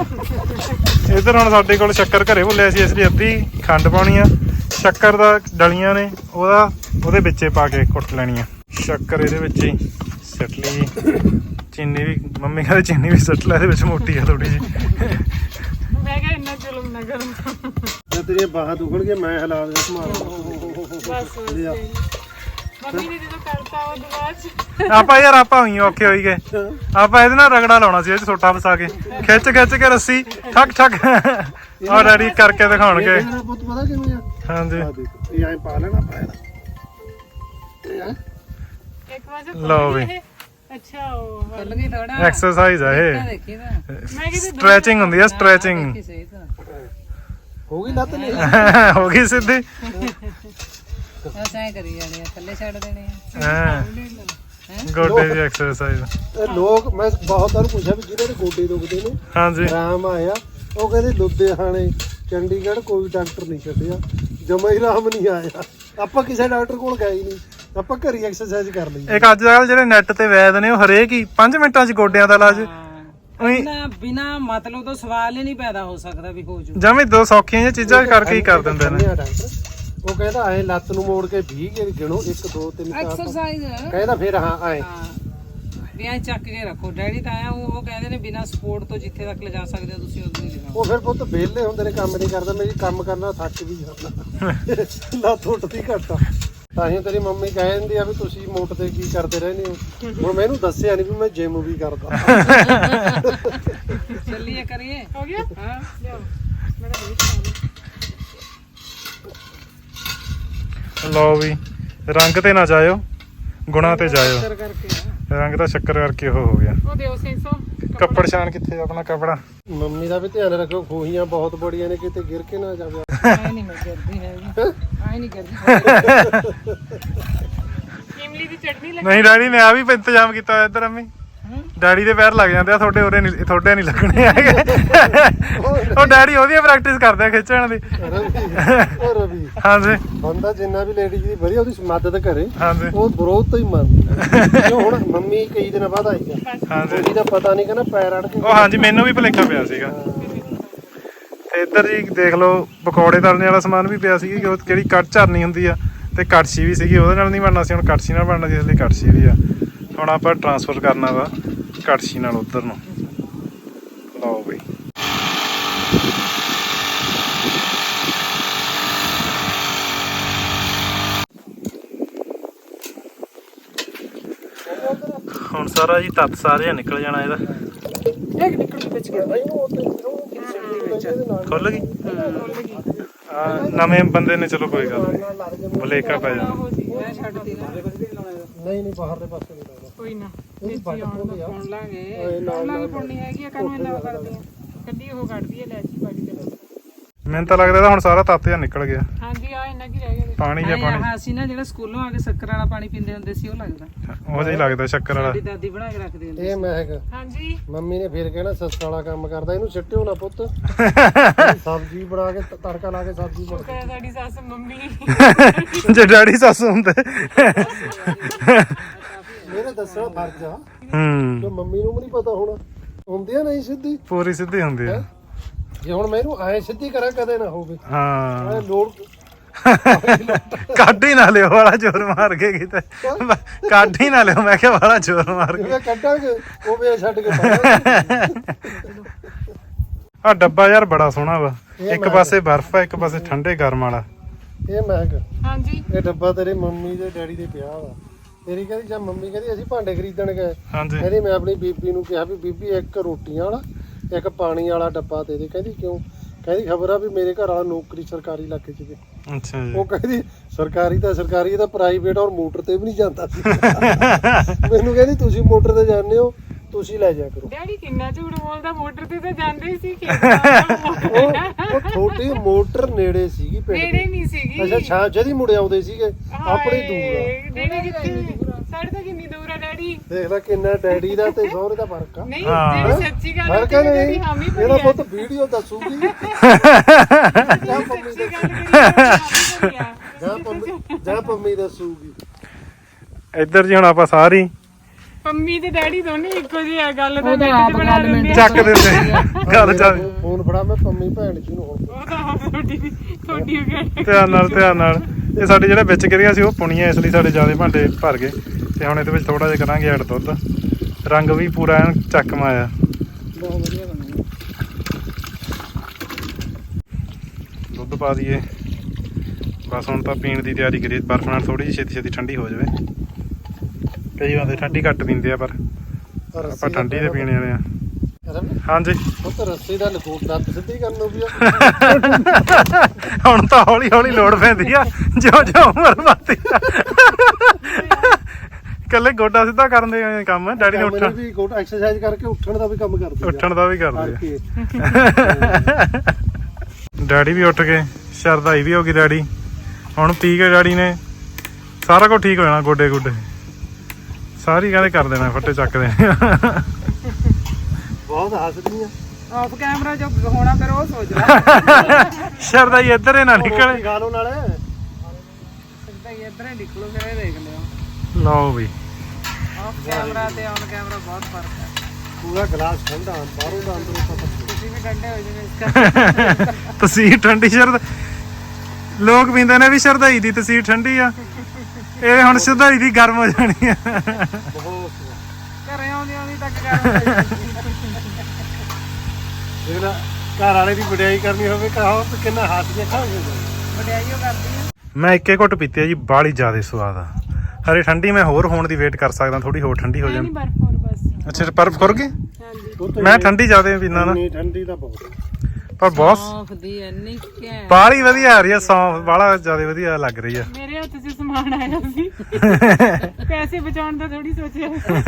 S4: ਆ।
S1: ਇੱਧਰ ਹੁਣ ਸਾਡੇ ਕੋਲ ਸ਼ੱਕਰ ਘਰੇ ਭੁੱਲਿਆ ਸੀ, ਇਸ ਲਈ ਅੱਧੀ ਖੰਡ ਪਾਉਣੀ ਆ। ਸ਼ੱਕਰ ਦਾ ਡਲੀਆਂ ਨੇ, ਉਹਦੇ ਵਿੱਚੇ ਪਾ ਕੇ ਕੁੱਟ ਲੈਣੀ ਆ। ਸ਼ੱਕਰ ਇਹਦੇ ਵਿੱਚ ਹੀ ਸਿੱਟ ਲਈ। ਚੀਨੀ ਵੀ ਮੰਮੀ ਕਹਿੰਦੇ ਚੀਨੀ ਵੀ ਸਿੱਟ ਲੈ, ਇਹਦੇ ਵਿੱਚ ਮੋਟੀ ਆ ਥੋੜੀ ਜਿਹੀ।
S2: ਮੈਂ ਕਿਹਾ ਇੰਨਾ ਜ਼ੁਲਮ ਨਾ ਕਰੋ।
S3: ਮੈਂ ਤੇਰੀਆਂ ਬਾਹਾਂ ਦੁਖਣਗੀਆਂ, ਮੈਂ ਹਿਲਾ ਦਿਆਂ ਸੰਭਾਲ।
S2: ਬਸ ਮੰਮੀ ਨੇ ਜਦੋਂ ਕਰਤਾ ਉਹ ਬਾਅਦ ਚ
S1: ਆਪਾਂ ਯਾਰ ਆਪਾਂ ਹੋਈ ਔਖੇ ਹੋਈ ਗਏ। ਆਪਾਂ ਇਹਦੇ ਨਾਲ ਰਗੜਾ ਲਾਉਣਾ ਸੀ, ਇਹ 'ਚ ਸੋਟਾ ਫਸਾ ਕੇ ਖਿੱਚ ਕੇ ਰੱਸੀ ਠੱਕ ਠੱਕ ਆ ਡੈਡੀ ਕਰਕੇ ਦਿਖਾਉਣਗੇ।
S3: ਮੇਰਾ ਪੁੱਤ ਪਤਾ ਕਿਵੇਂ ਆ?
S1: ਹਾਂਜੀ
S3: ਆ ਦੇਖ, ਇਹ ਐਂ ਪਾ ਲੈਣਾ ਪੈਰ। ਇਹ ਆ
S2: ਇੱਕ ਵਾਰ
S1: ਲਓ ਵੀ।
S2: ਅੱਛਾ ਉਹ
S4: ਚੱਲ ਗਈ ਥੋੜਾ
S1: ਐਕਸਰਸਾਈਜ਼ ਆ ਇਹ,
S4: ਦੇਖੀ ਤਾਂ
S2: ਮੈਂ ਕਿਤੇ
S1: ਸਟ੍ਰੈਚਿੰਗ ਹੁੰਦੀ ਆ ਸਟ੍ਰੈਚਿੰਗ।
S4: ਸਹੀ ਤਾਂ
S3: ਹੋ ਗਈ ਲੱਤ ਨਹੀਂ?
S1: ਹੋ ਗਈ ਸਿੱਧੀ।
S4: ਬਸ ਐ ਕਰੀ ਜਾਣੀ ਆ, ਥੱਲੇ ਛੱਡ ਦੇਣੇ ਆ।
S1: ਹਾਂ ਗੋਡੇ ਦੀ ਐਕਸਰਸਾਈਜ਼।
S3: ਇਹ ਲੋਕ ਮੈਂ ਬਹੁਤ ਵਾਰ ਪੁੱਛਿਆ ਵੀ ਜਿਹਨਾਂ ਦੇ ਗੋਡੇ ਦੁਖਦੇ ਨੇ
S1: ਹਾਂਜੀ
S3: ਆਰਾਮ ਆਇਆ, ਉਹ ਕਹਿੰਦੇ ਲੁਧਿਆਣੇ ਚੰਡੀਗੜ੍ਹ ਕੋਈ ਡਾਕਟਰ ਨਹੀਂ ਛੱਡਿਆ, ਜਮਾ ਹੀ ਆਰਾਮ ਨਹੀਂ ਆਇਆ। ਆਪਾਂ ਕਿਸੇ ਡਾਕਟਰ ਕੋਲ ਗਏ ਹੀ ਨਹੀਂ, ਆਪਾਂ ਘਰੀ ਐਕਸਰਸਾਈਜ਼ ਕਰ ਲਈ।
S1: ਇੱਕ ਅੱਜ ਕੱਲ ਜਿਹੜੇ ਨੈਟ ਤੇ ਵੈਦ ਨੇ ਉਹ ਹਰੇਕ ਹੀ 5 ਮਿੰਟਾਂ 'ਚ ਗੋਡਿਆਂ ਦਾ ਇਲਾਜ
S4: ਬਿਨਾ ਮਤਲਬ ਤੋਂ ਸਵਾਲ ਹੀ ਨਹੀਂ ਪੈਦਾ ਹੋ ਸਕਦਾ ਵੀ ਹੋ ਜੂ।
S1: ਜਮੀ 2 ਸੌਖੀਆਂ ਜਿਹੀਆਂ ਚੀਜ਼ਾਂ ਕਰਕੇ ਹੀ ਕਰ ਦਿੰਦੇ ਨੇ।
S3: ਡਾਕਟਰ ਉਹ ਕਹਿੰਦਾ ਐ ਲੱਤ ਨੂੰ ਮੋੜ ਕੇ 20 ਕੇ ਗਿਣੋ, 1 2 3 4
S4: ਐਕਸਰਸਾਈਜ਼
S3: ਕਹਿੰਦਾ ਫਿਰ ਹਾਂ ਐ
S4: ਵੀ ਐ ਚੱਕ ਕੇ ਰੱਖੋ। ਡੈਡੀ ਤਾਂ ਆਇਆ ਉਹ ਕਹਿੰਦੇ ਨੇ ਬਿਨਾ ਸਪੋਰਟ ਤੋਂ ਜਿੱਥੇ ਤੱਕ ਲਿਜਾ ਸਕਦੇ ਹੋ ਤੁਸੀਂ ਉਦੋਂ ਹੀ ਲਿਜਾਓ।
S3: ਉਹ ਫਿਰ ਪੁੱਤ ਵਿਹਲੇ ਹੁੰਦੇ ਨੇ, ਕੰਮ ਨਹੀਂ ਕਰਦਾ। ਮੇਰੀ ਕੰਮ ਕਰਨਾ ਥੱਕ ਵੀ ਜਾਂਦਾ, ਲੱਤ ਉੱਠਦੀ ਘੱਟ ਆ। ਤਾਂ ਹੀ ਤੇਰੀ ਮੰਮੀ ਕਹਿ ਦਿੰਦੀ ਆ ਵੀ ਤੁਸੀਂ ਮੋਟ ਤੇ ਕੀ ਕਰਦੇ ਰਹਿੰਦੇ ਹੋ। ਹੁਣ ਮੈਨੂੰ ਦੱਸਿਆ ਨਹੀਂ ਵੀ ਮੈਂ ਜਿਮ ਵੀ ਕਰਦਾ।
S4: ਚੱਲੀਏ ਕਰੀਏ।
S2: ਹੋ ਗਿਆ।
S4: ਹਾਂ
S2: ਲਿਆਓ ਮੇਰਾ ਬਹੁਤ ਸਾਰਾ।
S1: ਲਓ ਵੀ, ਰੰਗ ਤੇ ਨਾ ਜਾਇਓ, ਗੁਣਾ ਤੇ ਜਾਇਓ।
S4: ਕਰ ਕਰਕੇ
S1: ਰੰਗ ਤਾਂ ਸ਼ੱਕਰ ਕਰਕੇ ਉਹ ਹੋ ਗਿਆ।
S2: ਉਹ ਦਿਓ 600
S1: ਕੱਪੜ ਛਾਣ ਕਿੱਥੇ ਆਪਣਾ ਕੱਪੜਾ?
S3: ਮੰਮੀ ਦਾ ਵੀ ਧਿਆਨ ਰੱਖੋ, ਖੂਹੀਆਂ ਬਹੁਤ ਬੜੀਆਂ ਨੇ, ਕਿਤੇ ਗਿਰ ਕੇ ਨਾ ਜਾਵੇ।
S4: ਆਏ ਨਹੀਂ ਮੈਂ ਕਰਦੀ ਹੈਗੀ, ਆਏ ਨਹੀਂ ਕਰਦੀ।
S2: ਇਮਲੀ ਦੀ ਚਟਨੀ ਲੱਗੀ।
S1: ਨਹੀਂ ਡੈਡੀ ਨੇ ਆ ਵੀ ਇੰਤਜ਼ਾਮ ਕੀਤਾ ਹੋਇਆ ਇੱਧਰ। ਅੰਮੀ ਡੈਡੀ ਦੇ ਪੈਰ ਲੱਗ ਜਾਂਦੇ ਆ, ਤੁਹਾਡੇ ਉਰੇ ਨਹੀਂ, ਤੁਹਾਡੇ ਨਹੀਂ ਲੱਗਣੇ ਹੈਗੇ। ਉਹ ਡੈਡੀ ਉਹਦੀ ਪ੍ਰੈਕਟਿਸ ਕਰਦੇ ਆ ਖਿੱਚਣ ਦੀ।
S3: ਉਹ ਰਵੀ
S1: ਹਾਂਜੀ
S3: ਬੰਦਾ ਜਿੰਨਾ ਵੀ ਲੇਡੀਜ਼ ਦੀ ਵਧੀਆ ਉਹਦੀ ਮਦਦ ਕਰੇ,
S1: ਹਾਂਜੀ
S3: ਉਹ ਵਿਰੋਧ ਤੋਂ ਹੀ ਮੰਨਦਾ। ਜੋ ਹੁਣ ਮੰਮੀ ਕਈ ਦਿਨ ਬਾਅਦ ਆਈ ਆ,
S1: ਹਾਂਜੀ
S3: ਉਹਦੀ ਦਾ ਪਤਾ ਨਹੀਂ, ਕਹਿੰਦਾ ਪੈਰ ਅੜ ਕੇ।
S1: ਉਹ ਹਾਂਜੀ ਮੈਨੂੰ ਵੀ ਭੁਲੇਖਾ ਪਿਆ ਸੀਗਾ। ਤੇ ਇੱਧਰ ਜੀ ਦੇਖ ਲਓ ਪਕੌੜੇ ਤਲਣੇ ਵਾਲਾ ਸਮਾਨ ਵੀ ਪਿਆ ਸੀ, ਉਹ ਜਿਹੜੀ ਕੱਟ ਝਰਨੀ ਹੁੰਦੀ ਆ, ਤੇ ਕੜਛੀ ਵੀ ਸੀਗੀ, ਉਹਦੇ ਨਾਲ ਨਹੀਂ ਬਣਨਾ ਸੀ, ਹੁਣ ਕੜਛੀ ਨਾਲ ਬਣਨਾ ਸੀ, ਇਸ ਲਈ ਕੜਛੀ ਵੀ ਆ। ਹੁਣ ਆਪਾਂ ਟਰਾਂਸਫਰ ਕਰਨਾ ਵਾ ਕੜਛੀ ਨਾਲ ਉਧਰ ਨੂੰ। ਲਓ ਬਈ ਹੁਣ ਸਾਰਾ ਜੀ ਤੱਤ ਸਾਰੇ ਨਿਕਲ ਜਾਣਾ ਇਹਦਾ।
S4: ਇੱਕ ਨਿਕਲ ਵਿੱਚ ਗਿਆ
S1: ਖੁੱਲ ਗਈ ਨਵੇਂ ਬੰਦੇ ਨੇ, ਚਲੋ ਕੋਈ ਗੱਲ ਨਹੀਂ, ਭੁਲੇਖਾ ਪੈ ਜਾਣਾ।
S4: ਮੈਂ ਛੱਡਦੀ ਨਾ।
S3: ਨਹੀਂ ਬਾਹਰਲੇ ਪਾਸੇ ਨਹੀਂ ਲੱਗਦਾ।
S2: ਕੋਈ ਨਾ
S3: ਇਹ ਵੱਟ ਪਾਉਂਦੇ ਆ
S4: ਸੁਣ ਲਾਂਗੇ।
S2: ਉਹਨਾਂ ਵੀ ਪੁੰਨੀ ਹੈਗੀ ਆ, ਕਾਨੂੰ ਇੰਨਾ ਕਰਦੀ ਆ। ਕੱਢੀ ਉਹ ਕੱਢਦੀ ਆ ਲੈਚੀ ਪਾੜੀ ਤੇ।
S1: ਮੈਨੂੰ ਤਾਂ ਲੱਗਦਾ ਇਹਦਾ ਹੁਣ ਸਾਰਾ ਤੱਤ ਜਿਹਾ ਨਿਕਲ ਗਿਆ,
S2: ਹਾਂਜੀ ਆ ਇੰਨਾ ਕੀ ਰਹਿ ਗਿਆ।
S1: ਪਾਣੀ ਜਾਂ ਪਾਣੀ।
S4: ਆਹ ਅਸੀਂ ਨਾ ਜਿਹੜਾ ਸਕੂਲੋਂ ਆ ਕੇ ਸ਼ੱਕਰ ਵਾਲਾ ਪਾਣੀ ਪੀਂਦੇ ਹੁੰਦੇ ਸੀ, ਉਹ ਲੱਗਦਾ
S1: ਉਹ ਜਿਹਾ ਹੀ ਲੱਗਦਾ ਸ਼ੱਕਰ ਵਾਲਾ।
S4: ਸਾਡੀ ਦਾਦੀ ਬਣਾ ਕੇ ਰੱਖਦੀ ਹੁੰਦੀ
S3: ਇਹ ਮਹਿਕ
S2: ਹਾਂਜੀ
S3: ਮੰਮੀ ਨੇ ਫਿਰ ਕਹਿਣਾ ਸੱਸ ਵਾਲਾ ਕੰਮ ਕਰਦਾ, ਇਹਨੂੰ ਸਿੱਟਿਓ ਨਾ ਪੁੱਤ। ਸਬਜ਼ੀ ਬਣਾ ਕੇ ਤੜਕਾ ਲਾ ਕੇ ਸਬਜ਼ੀ ਬਣਾ
S2: ਸ਼ੁਕਰ ਹੈ ਸਾਡੀ ਸੱਸ ਮੰਮੀ।
S1: ਜੇ ਡੈਡੀ ਸੱਸ ਹੁੰਦੇ।
S3: ਮੇਰੇ ਦੱਸਣਾ ਫਰਜ਼ ਆ,
S1: ਹੂੰ
S3: ਜੋ ਮੰਮੀ ਨੂੰ ਵੀ ਨਹੀਂ ਪਤਾ ਹੋਣਾ। ਹੁੰਦੀ ਆ ਨਹੀਂ ਸਿੱਧੀ
S1: ਪੂਰੀ ਸਿੱਧੀ ਹੁੰਦੀ ਆ
S3: ਜੇ ਹੁਣ ਮੈਨੂੰ ਐ ਸਿੱਧੀ ਕਰਾਂ ਕਦੇ ਨਾ ਹੋਵੇ
S1: ਹਾਂ
S3: ਐ ਲੋੜ
S1: ਕੱਢ ਹੀ ਨਾ ਲਿਓ ਵਾਲਾ ਜ਼ੋਰ ਮਾਰ ਕੇ ਕਿਤੇ ਕੱਢ ਹੀ ਨਾ ਲਿਓ ਮੈਂ ਕਿਹਾ ਵਾਲਾ ਜ਼ੋਰ ਮਾਰ ਕੇ
S3: ਜਿਵੇਂ ਕੱਢਾਂਗੇ ਉਹ ਵੇ ਛੱਡ ਕੇ ਪਾਵਾਂਗੇ।
S1: ਆ ਡੱਬਾ ਯਾਰ ਬੜਾ ਸੋਹਣਾ ਵਾ ਇੱਕ ਪਾਸੇ ਬਰਫ਼ ਆ ਇੱਕ ਪਾਸੇ ਠੰਡੇ ਗਰਮ ਵਾਲਾ
S3: ਇਹ ਮਹਿੰਗਾ
S2: ਹਾਂਜੀ
S3: ਇਹ ਡੱਬਾ ਤੇਰੇ ਮੰਮੀ ਦੇ ਡੈਡੀ ਦੇ ਪਿਆ ਵਾ ਤੇਰੀ ਕਹਿੰਦੀ ਜਾਂ ਮੰਮੀ ਕਹਿੰਦੀ ਅਸੀਂ ਭਾਂਡੇ ਖਰੀਦਣ ਗਏ
S1: ਹਾਂਜੀ
S3: ਕਹਿੰਦੀ ਮੈਂ ਆਪਣੀ ਬੀਬੀ ਨੂੰ ਕਿਹਾ ਵੀ ਬੀਬੀ ਇੱਕ ਰੋਟੀਆਂ ਵਾਲਾ ਇੱਕ ਪਾਣੀ ਵਾਲਾ ਡੱਬਾ ਦੇ ਦੇ ਕਹਿੰਦੀ ਕਿਉਂ ਕਹਿੰਦੀ ਖਬਰ ਆ ਵੀ ਮੇਰੇ ਘਰ ਵਾਲਾ ਨੌਕਰੀ ਸਰਕਾਰੀ ਇਲਾਕੇ 'ਚ ਤੇ
S1: ਅੱਛਾ ਜੀ
S3: ਉਹ ਕਹਿੰਦੀ ਸਰਕਾਰੀ ਤਾਂ ਸਰਕਾਰੀ ਇਹ ਤਾਂ ਪ੍ਰਾਈਵੇਟ ਔਰ ਮੋਟਰ ਤੇ ਵੀ ਨਹੀਂ ਜਾਂਦਾ ਸੀ ਮੈਨੂੰ ਕਹਿੰਦੀ ਤੁਸੀਂ ਮੋਟਰ ਤੇ ਜਾਂਦੇ ਹੋ ਤੁਸੀਂ ਲੈ ਜਾ ਕਰੋ
S2: ਡੈਡੀ ਕਿੰਨਾ ਝੂਠ ਬੋਲਦਾ ਮੋਟਰ ਤੇ ਤਾਂ ਜਾਂਦੇ ਹੀ ਸੀ
S3: ਉਹ ਛੋਟੀ ਮੋਟਰ ਨੇੜੇ ਸੀਗੀ ਪਿੰਡ
S2: ਨੇੜੇ
S3: ਦੇ
S2: ਨਹੀਂ ਸੀਗੀ
S3: ਅੱਛਾ ਛਾਂ ਜਦੀ ਮੁੜ ਆਉਂਦੇ ਸੀਗੇ ਆਪਣੀ ਦੂਰ ਆ
S2: ਡੈਡੀ ਕਿੱਥੇ ਸਾਡੇ ਤੋਂ ਕਿੰਨੀ ਦੂਰ ਆ ਡੈਡੀ
S3: ਦੇਖ ਲੈ ਕਿੰਨਾ ਡੈਡੀ ਦਾ ਤੇ ਸਹੁਰੇ ਦਾ ਫਰਕ ਆ
S2: ਨਹੀਂ
S1: ਹਾਂ।
S2: ਜਿਹੜੀ ਸੱਚੀ ਗੱਲ
S3: ਫਰਕ
S2: ਹੈ
S3: ਨਹੀਂ
S2: ਡੈਡੀ ਹਾਮੀ ਭਰੀ
S3: ਇਹਦਾ
S2: ਆ
S3: ਪੁੱਤ ਵੀਡੀਓ ਦੱਸੂਗੀ ਜਾਂ ਪੰਮੀ
S2: ਸੱਚੀ ਗੱਲ ਕਰੀ ਹਾਮੀ ਭਰੀ ਆ
S3: ਜਾਂ ਪੰਮੀ ਦੱਸੂਗੀ
S1: ਇੱਧਰ ਜੀ ਹੁਣ ਆਪਾਂ ਸਾਰੀ
S2: ਪੰਮੀ ਤੇ ਡੈਡੀ ਦੋਨੇ ਇੱਕੋ ਜਿਹੇ ਆ ਗੱਲ ਤਾਂ
S4: ਉਹਦਾ
S2: ਨੈਟ
S4: ਆਪ
S2: 'ਚ ਬਣਾ
S4: ਗੱਲ
S2: ਦਿੰਦੇ ਆ
S1: ਚੱਕ ਦਿੰਦੇ ਗੱਲ ਚੱਲ
S3: ਫੋਨ ਫੜਾ ਮੈਂ ਪੰਮੀ ਭੈਣ ਜੀ ਨੂੰ ਹੁਣ
S2: ਉਹ ਤਾਂ ਆਪ ਤੁਹਾਡੀ ਹੋ ਗਿਆ
S1: ਧਿਆਨ ਨਾਲ ਇਹ ਸਾਡੇ ਜਿਹੜੇ ਵਿੱਚ ਗਿਰੀਆਂ ਸੀ ਉਹ ਪੁਣੀਆਂ ਇਸ ਲਈ ਸਾਡੇ ਜਿਆਦਾ ਭਾਂਡੇ ਭਰ ਗਏ ਤੇ ਹੁਣ ਇਹਦੇ ਵਿੱਚ ਥੋੜਾ ਜਿਹਾ ਕਰਾਂਗੇ ਐਡ ਦੁੱਧ ਰੰਗ ਵੀ ਪੂਰਾ ਐਨ ਚੱਕਮਾ ਆ
S4: ਬਹੁਤ ਵਧੀਆ ਬਣੀ
S1: ਦੁੱਧ ਪਾ ਦਈਏ ਬਸ ਹੁਣ ਤਾਂ ਪੀਣ ਦੀ ਤਿਆਰੀ ਕਰੀਏ ਬਰਫ਼ ਨਾਲ ਥੋੜੀ ਜਿਹੀ ਛੇਤੀ ਠੰਡੀ ਹੋ ਜਾਵੇ ਕਈ ਬੰਦੇ ਠੰਡੀ ਘੱਟ ਪੀਂਦੇ ਆ ਪਰ ਆਪਾਂ ਠੰਡੀ ਦੇ ਪੀਣੇ ਵਾਲੇ ਆ ਹਾਂਜੀ
S3: ਉਹ ਤਾਂ ਰੱਸੀ ਦਾ ਲਕੋਟ ਦੱਤ ਸਿੱਧੀ ਕਰਨ ਨੂੰ ਵੀ ਆ
S1: ਹੁਣ ਤਾਂ ਹੌਲੀ ਹੌਲੀ ਲੋੜ ਪੈਂਦੀ ਆ ਜਿਉਂ ਜਿਉਂ ਉਮਰ ਵੱਧਦੀ ਆ ਇਕੱਲੇ ਗੋਡਾ ਸਿੱਧਾ ਕਰਨ ਦੇ ਕੰਮ ਡੈਡੀ ਨੇ ਉੱਠਣ
S3: ਵੀ ਗੋਟ ਐਕਸਰਸਾਈਜ਼ ਕਰਕੇ ਉੱਠਣ ਦਾ ਵੀ ਕੰਮ ਕਰਦੀ ਆ
S1: ਉੱਠਣ ਦਾ ਵੀ ਕਰਦੇ
S3: ਕਰਕੇ
S1: ਆ ਡੈਡੀ ਵੀ ਉੱਠ ਗਏ ਸ਼ਰਦਾਈ ਵੀ ਹੋ ਗਈ ਡੈਡੀ ਹੁਣ ਪੀ ਕੇ ਡੈਡੀ ਨੇ ਸਾਰਾ ਕੁਝ ਠੀਕ ਹੋ ਜਾਣਾ ਗੋਡੇ ਗੁੱਡੇ ਸਾਰੀ ਕਹਿੰਦੇ ਕਰ ਦੇਣਾ ਫੱਟੇ ਚੱਕ ਦੇਣੇ
S3: ਬਹੁਤ ਹੱਸਦੀ ਆ
S4: ਆਫ ਕੈਮਰਾ ਜੋ ਹੋਣਾ ਫਿਰ ਉਹ ਸੋਚ ਲੈ
S1: ਸ਼ਰਦਾਈ ਇੱਧਰ ਹੀ ਨਾ ਨਿਕਲੇ
S3: ਖਾ ਲਓ ਨਾਲੇ
S4: ਸਿੱਧਾ ਹੀ ਇੱਧਰ ਹੀ ਨਿਕਲੋ ਫਿਰ ਇਹ ਦੇਖ ਲਿਓ
S1: ਲਓ ਵੀ
S4: ਆਫ ਕੈਮਰਾ ਤੇ ਔਨ ਕੈਮਰਾ ਬਹੁਤ ਫਰਕ ਹੈ
S3: ਪੂਰਾ ਗਲਾਸ ਠੰਡਾ ਬਾਹਰੋਂ ਦਾ ਅੰਦਰੋਂ ਪਤਾ
S4: ਤੁਸੀਂ ਵੀ ਠੰਡੇ ਹੋ ਜਿਵੇਂ ਇਸ ਕਰਕੇ
S1: ਤਸੀਰ ਠੰਡੀ ਸ਼ਰਦ ਲੋਕ ਪੀਂਦੇ ਨੇ ਵੀ ਸ਼ਰਦਾਈ ਦੀ ਤਸੀਰ ਠੰਡੀ ਆ ਇਹ ਹੁਣ ਸ਼ਰਦਾਈ ਦੀ ਗਰਮ ਹੋ ਜਾਣੀ ਆ
S3: ਬਹੁਤ
S4: ਘਰੇ ਆਉਂਦੀ ਆਉਂਦੀ ਤੱਕ ਕਰ
S3: ਜਿਹੜਾ ਘਰ ਵਾਲੇ ਦੀ ਵਡਿਆਈ ਕਰਨੀ ਹੋਵੇ ਕਹੋ ਤੇ ਕਿੰਨਾ ਹੱਥ ਜੇ ਖਾਓਗੇ
S4: ਵਡਿਆਈਓ ਕਰਦੀ ਆ
S1: ਮੈਂ ਇੱਕੇ ਘੁੱਟ ਪੀਤੀ ਆ ਜੀ ਬਾਹਲੀ ਜ਼ਿਆਦਾ ਸਵਾਦ ਆ ਹਰੇ ਠੰਡੀ ਮੈਂ ਹੋਰ ਹੋਣ ਦੀ ਵੇਟ ਕਰ ਸਕਦਾ ਥੋੜੀ ਹੋਰ ਠੰਡੀ ਹੋ ਜਾਣੀ
S2: ਬਰਫ ਹੋਰ ਬਸ
S1: ਅੱਛਾ ਬਰਫ਼ ਖੁਰ ਗਈ
S2: ਹਾਂਜੀ
S1: ਮੈਂ ਠੰਡੀ ਜ਼ਿਆਦਾ ਪੀਂਦਾ ਨਾ
S3: ਇੰਨੀ ਠੰਡੀ ਦਾ ਬਹੁਤ
S1: ਪਰ ਬਹੁਤ
S4: ਸੌਂਫ ਦੀ ਇੰਨੀ ਘੈਂਟ
S1: ਬਾਹਲੀ ਵਧੀਆ ਆ ਰਹੀ ਆ ਸੌਂਫ ਬਾਹਲਾ ਜ਼ਿਆਦਾ ਵਧੀਆ ਲੱਗ ਰਹੀ ਆ
S2: ਮੇਰੇ ਹੱਥ 'ਚ ਸਮਾਨ ਆਇਆ ਸੀ ਪੈਸੇ ਬਚਾਉਣ ਦਾ ਥੋੜੀ ਸੋਚਿਆ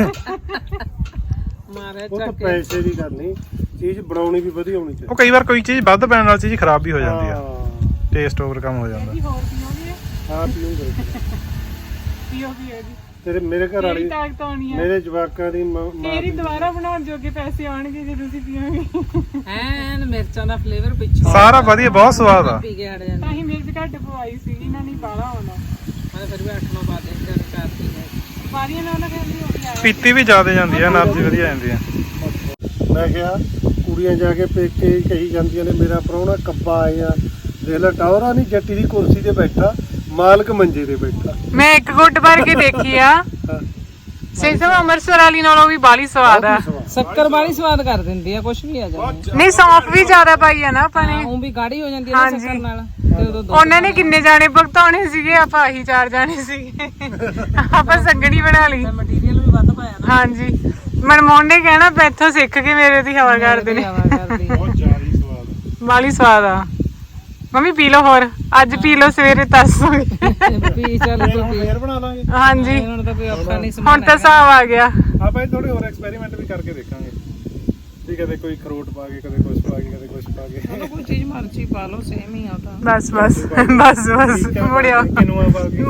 S4: ਮਾਰਿਆ
S3: ਉਹ ਤਾਂ
S4: ਚੱਕ ਕੇ
S3: ਪੈਸੇ ਦੀ ਗੱਲ ਨਹੀਂ ਚੀਜ਼ ਬਣਾਉਣੀ ਵੀ ਵਧੀਆ ਹੋਣੀ ਚਾਹੀਦੀ
S1: ਉਹ ਕਈ ਵਾਰ ਕੋਈ ਚੀਜ਼ ਵੱਧ ਪੈਣ ਨਾਲ ਚੀਜ਼ ਖਰਾਬ ਵੀ ਹੋ ਜਾਂਦੀ ਆ
S3: ਹਾਂ
S1: ਟੇਸਟ ਓਵਰ ਕੰਮ ਹੋ ਜਾਂਦਾ
S2: ਜੀ ਹੋਰ ਪੀਓਗੇ
S3: ਹਾਂ ਪੀਉਂਗੇ
S2: ਪੀਓਗੇ ਜੀ
S3: ਤੇਰੇ ਮੇਰੇ ਘਰ
S2: ਤੇਰੀ
S3: ਵਾਲੀ
S2: ਤਾਕਤ ਆਉਣੀ ਆ
S3: ਮੇਰੇ ਜਵਾਕਾਂ ਦੀ ਮਾਂ
S2: ਤੇਰੀ ਦੁਬਾਰਾ ਬਣਾਉਣ ਜੋਗੇ ਪੈਸੇ ਆਉਣਗੇ ਜੇ ਤੁਸੀਂ ਪੀਓਗੇ
S4: ਐਨ ਮਿਰਚਾਂ ਦਾ ਫਲੇਵਰ ਪਿੱਛੋਂ
S1: ਸਾਰਾ ਵਧੀਆ ਬਹੁਤ ਸਵਾਦ ਆ
S4: ਪੀ ਕੇ ਹਟ ਜਾਂਦਾ
S2: ਤਾਂ ਹੀ ਮਿਰਚ ਘੱਟ ਪਵਾਈ ਸੀ ਇਹਨਾਂ ਨੇ ਬਾਲਾ ਆਉਣਾ
S4: ਮੈਂ ਫਿਰ ਵੀ 8-9 ਪਾ ਦੇ ਜਦ ਕਰਦੀ ਹੈ
S2: ਸਾਰੀਆਂ ਨਾਲ ਨਾ ਕਹਿੰਦੀ ਉਹ ਵੀ ਆਇਆ
S1: ਪੀਤੀ ਵੀ ਜ਼ਿਆਦਾ ਜਾਂਦੀ ਆ એનર્ਜੀ ਵਧੀਆ ਜਾਂਦੀ ਆ
S3: ਮੈਂ ਕਿਹਾ ਕੁੜੀਆਂ ਜਾ ਕੇ ਪੇਕੇ ਕਹੀ ਜਾਂਦੀਆਂ ਨੇ ਮੇਰਾ ਪ੍ਰਾਹੁਣਾ ਕੱਬਾ ਆਇਆ ਦੇਖ ਲੈ ਟੌਰਾ ਨਹੀਂ ਜੱਟੀ ਦੀ ਕੁਰਸੀ ਤੇ ਬੈਠਾ ਮਾਲਕ ਮੰਜੇ ਤੇ ਬੈਠਾ
S2: ਮੈਂ ਇੱਕ ਗੁੱਟ ਭਰ ਕੇ ਦੇਖੀ ਆ ਸੇਸਮ ਅੰਮ੍ਰਿਤਸਰ ਵਾਲੀ ਨਾਲੋਂ ਵੀ ਬਾਲੀ ਸਵਾਦ ਆ
S4: ਸ਼ੱਕਰ ਵਾਲੀ ਸਵਾਦ ਕਰ ਦਿੰਦੀ ਆ ਕੁਝ ਵੀ ਆ ਜਾਂਦਾ
S2: ਨਹੀਂ ਸੌਂਫ ਵੀ ਜ਼ਿਆਦਾ ਪਾਈ ਆ ਨਾ ਆਪਾਂ ਨੇ
S4: ਉਹ ਵੀ ਗਾੜੀ ਹੋ ਜਾਂਦੀ ਹੈ ਨਾ ਸ਼ੱਕਰ ਨਾਲ ਤੇ ਉਦੋਂ ਦੁੱਧ
S2: ਉਹਨਾਂ ਨੇ ਕਿੰਨੇ ਜਾਣੇ ਭੁਗਤਾਉਣੇ ਸੀਗੇ ਆਪਾਂ ਆਹੀ 4 ਜਾਣੇ ਸੀਗੇ ਆਪਾਂ ਸੰਗਣੀ ਬਣਾ ਲਈ
S4: ਮਟੀਰੀਅਲ ਵੀ ਵੱਧ ਪਾਇਆ ਨਾ
S2: ਹਾਂਜੀ ਮਨਮੋਹਨ ਨੇ ਕਹਿਣਾ ਇੱਥੋਂ ਸਿੱਖ ਕੇ ਮੇਰੇ ਦੀ ਹਵਾ ਕਰਦੇ ਨੇ
S4: ਕਰਦੀ
S1: ਬਹੁਤ ਜ਼ਿਆਦਾ ਸਵਾਦ
S2: ਬਾਲੀ ਸਵਾਦ ਆ ਮੰਮੀ ਪੀ ਲਓ ਹੋਰ ਅੱਜ ਪੀ ਲਓ ਸਵੇਰੇ ਦੱਸੋਗੇ
S4: ਪੀ ਚੱਲ ਤੂੰ ਪੀ
S3: ਫੇਰ ਬਣਾ ਲਾਂਗੇ
S2: ਹਾਂਜੀ
S4: ਹੁਣ ਤਾਂ ਕੋਈ ਔਖਾ ਨਹੀਂ
S2: ਹੁਣ
S4: ਸਮਾਨ
S2: ਤਾਂ ਹਿਸਾਬ ਆ ਗਿਆ
S1: ਆਪਾਂ ਇਹ ਥੋੜੇ ਹੋਰ ਐਕਸਪੈਰੀਮੈਂਟ ਵੀ ਕਰਕੇ ਦੇਖਾਂਗੇ ਵੀ ਕਦੇ ਕੋਈ ਖਰੋਟ ਪਾ ਕੇ ਕਦੇ ਕੁਛ ਪਾ ਕੇ ਕਦੇ ਕੁਛ ਪਾ ਕੇ
S4: ਕੋਈ ਚੀਜ਼ ਮਰਜ਼ੀ ਪਾ ਲਓ ਸੇਮ ਹੀ ਆ ਤਾਂ
S2: ਬਸ ਬਸ ਬਸ ਬਸ ਮੁੜਿਓ
S1: ਕਿਨੂਆ ਪਾ ਕੇ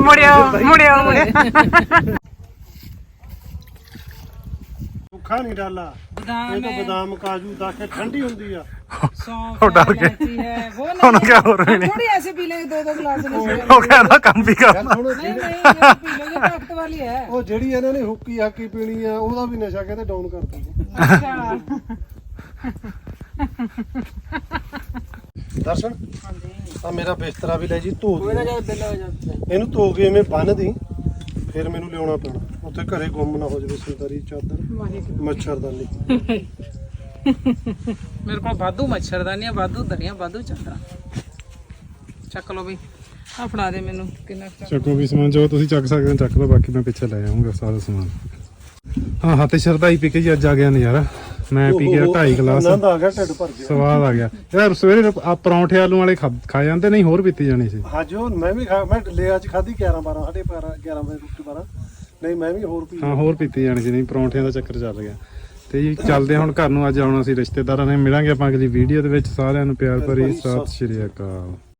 S2: ਮੁੜਿਓ
S3: ਭੁੱਖਾ ਨਹੀਂ ਡਾਲਾ
S4: ਬਦਾਮ
S3: ਇਹ ਤਾਂ ਬਦਾਮ ਕਾਜੂ ਦਾ ਕੇ ਠੰਡੀ ਹੁੰਦੀ ਆ
S4: सौंफ
S1: ਉਹ ਡਰ
S4: है,
S1: गए।
S4: इलायची है, वो
S1: ਉਹਨੂੰ
S4: नहीं
S1: ਕਿਹਾ ਹੋਰ ਵੀ ਨਹੀਂ
S4: थोड़ी ऐसे पी लेंगे 2-2 गिलास में से।
S1: ਉਹ ਕਹਿੰਦਾ ਕੰਮ ਵੀ ਕਰਨਾ
S3: ਹੁਣ
S4: नहीं नहीं ये पी लो, ये ताकत वाली है।
S3: ਉਹ ਜਿਹੜੀ ਇਹਨਾਂ ਨੇ ਹੁੱਕੀ ਹਾਕੀ ਪੀਣੀ ਆ ਉਹਦਾ ਵੀ ਨਸ਼ਾ ਕਹਿੰਦੇ ਡਾਊਨ ਕਰ ਦਿੰਦੇ
S2: ਅੱਛਾ
S3: ਦਰਸ਼ਨ ਆ ਮੇਰਾ ਬਿਸਤਰਾ ਵੀ ਲੈ ਜੀ ਧੋ
S4: कोई ना
S3: ਦੀ
S4: जाए बिल्ला हो जाता है।
S3: ਇਹਨੂੰ ਧੋ ਕੇ ਐਵੇਂ ਬੰਨ ਦੀ ਫਿਰ ਮੈਨੂੰ ਲਿਆਉਣਾ ਪੈਣਾ ਉੱਥੇ ਘਰੇ ਗੁੰਮ ਨਾ ਹੋ ਜਾਵੇ ਸਿੰਦਰੀ ਚਾਦਰ ਮੱਛਰਦਾਨੀ
S4: मेरे को वाधू मच्छरदानियां वाधू दरियां वाधू चादर ਚੱਕ ਲਓ ਬਈ ਆ ਫੜਾ ਦੇ ਮੈਨੂੰ ਕਿੰਨਾ ਕੁ ਚੱਕ-
S1: ਚੱਕੋ ਵੀ ਸਮਾਨ ਜੋ ਤੁਸੀਂ ਚੱਕ ਸਕਦੇ ਹੋ ਚੱਕ ਲਓ, ਬਾਕੀ ਮੈਂ ਪਿੱਛੇ ਲੈ ਆਉਂਗਾ ਸਾਰਾ ਸਮਾਨ। ਹਾਂ ਹੱਥ ਸ਼ਰਦਾਈ ਪੀ ਕੇ ਜੀ ਅੱਜ ਆ ਗਿਆ ਨਜ਼ਾਰਾ। ਮੈਂ ਪੀ ਗਿਆ 2.5 ਗਲਾਸ,
S3: ਆਨੰਦ ਆ ਗਿਆ ਢਿੱਡ ਭਰ ਗਿਆ
S1: ਸਵਾਦ ਆ ਗਿਆ ਯਾਰ। ਸਵੇਰੇ ਆ ਪਰੌਂਠੇ ਆਲੂ ਵਾਲੇ ਖਾ ਜਾਂਦੇ, ਨਹੀਂ ਹੋਰ ਪੀਤੀ ਜਾਣੀ ਸੀ।
S3: ਹਾਂ ਜੋ ਮੈਂ ਵੀ ਮੈਂ ਲੈ ਅੱਜ ਖਾਧੀ 11-12 ਸਾਢੇ 11 ਵਜੇ ਰੋਟੀ 12 ਨਹੀਂ ਮੈਂ ਵੀ ਹੋਰ ਪੀ
S1: ਹਾਂ ਹੋਰ ਪੀਤੀ ਜਾਣੀ ਸੀ, ਨਹੀਂ ਪਰੌਂਠਿਆਂ ਦਾ ਚੱਕਰ ਚੱਲ ਗਿਆ। ਤੇ ਜੀ ਚੱਲਦੇ ਹਾਂ ਹੁਣ ਘਰ ਨੂੰ। ਅੱਜ ਆਉਣਾ ਸੀ ਰਿਸ਼ਤੇਦਾਰਾਂ ਨੇ, ਮਿਲਾਂਗੇ ਆਪਾਂ ਅਗਲੀ ਵੀਡੀਓ ਦੇ ਵਿੱਚ। ਸਾਰਿਆਂ ਨੂੰ ਪਿਆਰ ਭਰੀ ਸਤਿ ਸ਼੍ਰੀ ਅਕਾਲ।